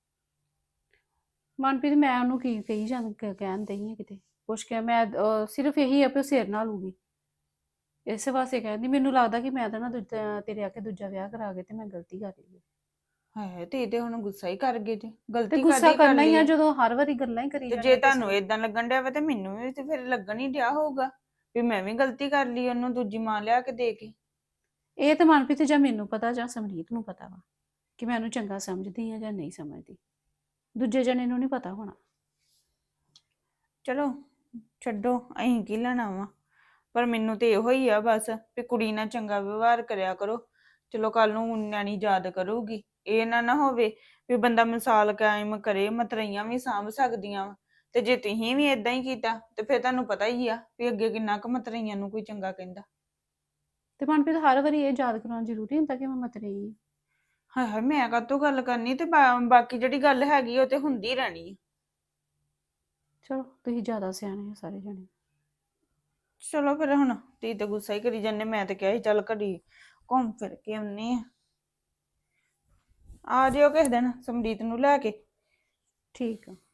Speaker 6: ਮਨਪ੍ਰੀਤ ਮੈਂ ਉਹਨੂੰ ਕੀ ਕਹੀ ਕਹਿਣ ਦਈ ਆ ਕਿਤੇ ਕੁਛ ਕਿਹਾ ਮੈਂ ਸਿਰਫ ਇਹੀ ਆ ਵੀ ਉਹ ਸਿਰ ਨਾਲ ਲੂਗੀ ਇਸੇ ਵਾਸਤੇ ਕਹਿੰਦੀ ਮੈਨੂੰ ਲੱਗਦਾ ਕਿ ਮੈਂ ਤਾਂ ਨਾ ਤੇਰੇ ਆ ਕੇ ਦੂਜਾ ਵਿਆਹ ਕਰਾ ਕੇ ਤੇ ਮੈਂ ਗਲਤੀ ਕਰ ਲਈ
Speaker 5: ਹੈ ਤੇ ਇਹ ਤੇ ਹੁਣ ਗੁੱਸਾ ਹੀ ਕਰ ਗਏ ਜੇ।
Speaker 6: ਤੇ
Speaker 5: ਗਲਤੀ
Speaker 6: ਗੁੱਸਾ
Speaker 5: ਕਾਹਦੀ ਕਰ
Speaker 6: ਕਰਨਾ ਹੀ
Speaker 5: ਲਈ
Speaker 6: ਆ
Speaker 5: ਆ?
Speaker 6: ਜਦੋਂ ਹਰ ਵਾਰੀ ਗੱਲਾਂ ਹੀ ਕਰੀ
Speaker 5: ਤੇ ਜੇ
Speaker 6: ਜਾਣੀਆਂ
Speaker 5: ਤੁਹਾਨੂੰ ਏਦਾਂ ਲੱਗਣ ਡਿਆ ਵਾ ਤੇ ਮੈਨੂੰ ਵੀ ਤੇ ਫਿਰ ਲੱਗਣ ਹੀ ਡਿਆ ਹੋਊਗਾ ਵੀ ਮੈਂ ਵੀ ਗਲਤੀ ਕਰ ਲਈ ਉਹਨੂੰ ਦੂਜੀ ਮਾਂ ਲਿਆ ਕੇ ਦੇ ਕੇ।
Speaker 6: ਇਹ ਤਾਂ ਮਨਪ੍ਰੀਤ ਜਾਂ ਮੈਨੂੰ ਪਤਾ ਜਾਂ ਸਮਰੀਤ ਨੂੰ ਪਤਾ ਵਾ ਕਿ ਮੈਂ ਉਹਨੂੰ ਚੰਗਾ ਸਮਝਦੀ ਆ ਜਾਂ ਨਹੀਂ ਸਮਝਦੀ ਦੂਜੇ ਜਣੇ ਨੂੰ ਨਹੀਂ ਪਤਾ ਹੋਣਾ।
Speaker 5: ਚਲੋ ਛੱਡੋ ਅਸੀਂ ਕੀ ਲੈਣਾ ਵਾ ਪਰ ਮੈਨੂੰ ਤੇ ਇਹੋ ਹੀ ਆ ਬਸ ਵੀ ਕੁੜੀ ਨਾਲ ਚੰਗਾ ਵਿਵਹਾਰ ਕਰਿਆ ਕਰੋ। ਚਲੋ ਕੱਲ ਨੂੰ ਨਿਆਣੀ ਯਾਦ ਕਰੂਗੀ। ਇਹ ਨਾ ਹੋਵੇ ਵੀ ਬੰਦਾ ਮਿਸਾਲ ਕਾਇਮ ਕਰੇ ਮਤਰਈਆਂ ਵੀ ਸਾਂਭ ਸਕਦੀਆਂ ਵਾ ਤੇ ਜੇ ਤੁਸੀਂ ਵੀ ਇਦਾਂ ਹੀ ਕੀਤਾ ਤੇ ਫਿਰ ਤੁਹਾਨੂੰ ਪਤਾ ਹੀ ਆ ਵੀ ਅੱਗੇ ਕਿੰਨਾ ਕੁ ਮਤਰਈਆਂ ਨੂੰ ਕੋਈ ਚੰਗਾ ਕਹਿੰਦਾ।
Speaker 6: ਤੇ ਮਨਪ੍ਰੀਤ ਹਰ ਵਾਰੀ ਇਹ ਯਾਦ ਕਰਾਉਣਾ ਜ਼ਰੂਰੀ ਹੁੰਦਾ ਕਿ ਮੈਂ ਮਤਰੇਈ ਹਾਂ।
Speaker 5: ਹਾਏ ਹਾਏ ਮੈਂ ਕਾਹਤੋਂ ਗੱਲ ਕਰਨੀ ਤੇ ਬਾਕੀ ਜਿਹੜੀ ਗੱਲ ਹੈਗੀ ਉਹ ਤੇ ਹੁੰਦੀ ਰਹਿਣੀ ਆ।
Speaker 6: ਚਲੋ ਤੁਸੀਂ ਜ਼ਿਆਦਾ ਸਿਆਣੇ ਹੋ ਸਾਰੇ ਜਣੇ।
Speaker 5: ਚਲੋ ਫਿਰ ਹੁਣ ਤੀ ਤੇ ਗੁੱਸਾ ਹੀ ਕਰੀ ਜਾਂਦੇ। ਮੈਂ ਤੇ ਕਿਹਾ ਸੀ ਚੱਲ ਘੜੀ ਘੁੰਮ ਫਿਰ ਕੇ ਆਉਨੇ ਆ ਜਿਓ ਕਿਸੇ ਦਿਨ ਸਮਰੀਤ ਨੂੰ ਲੈ ਕੇ।
Speaker 6: ਠੀਕ ਆ।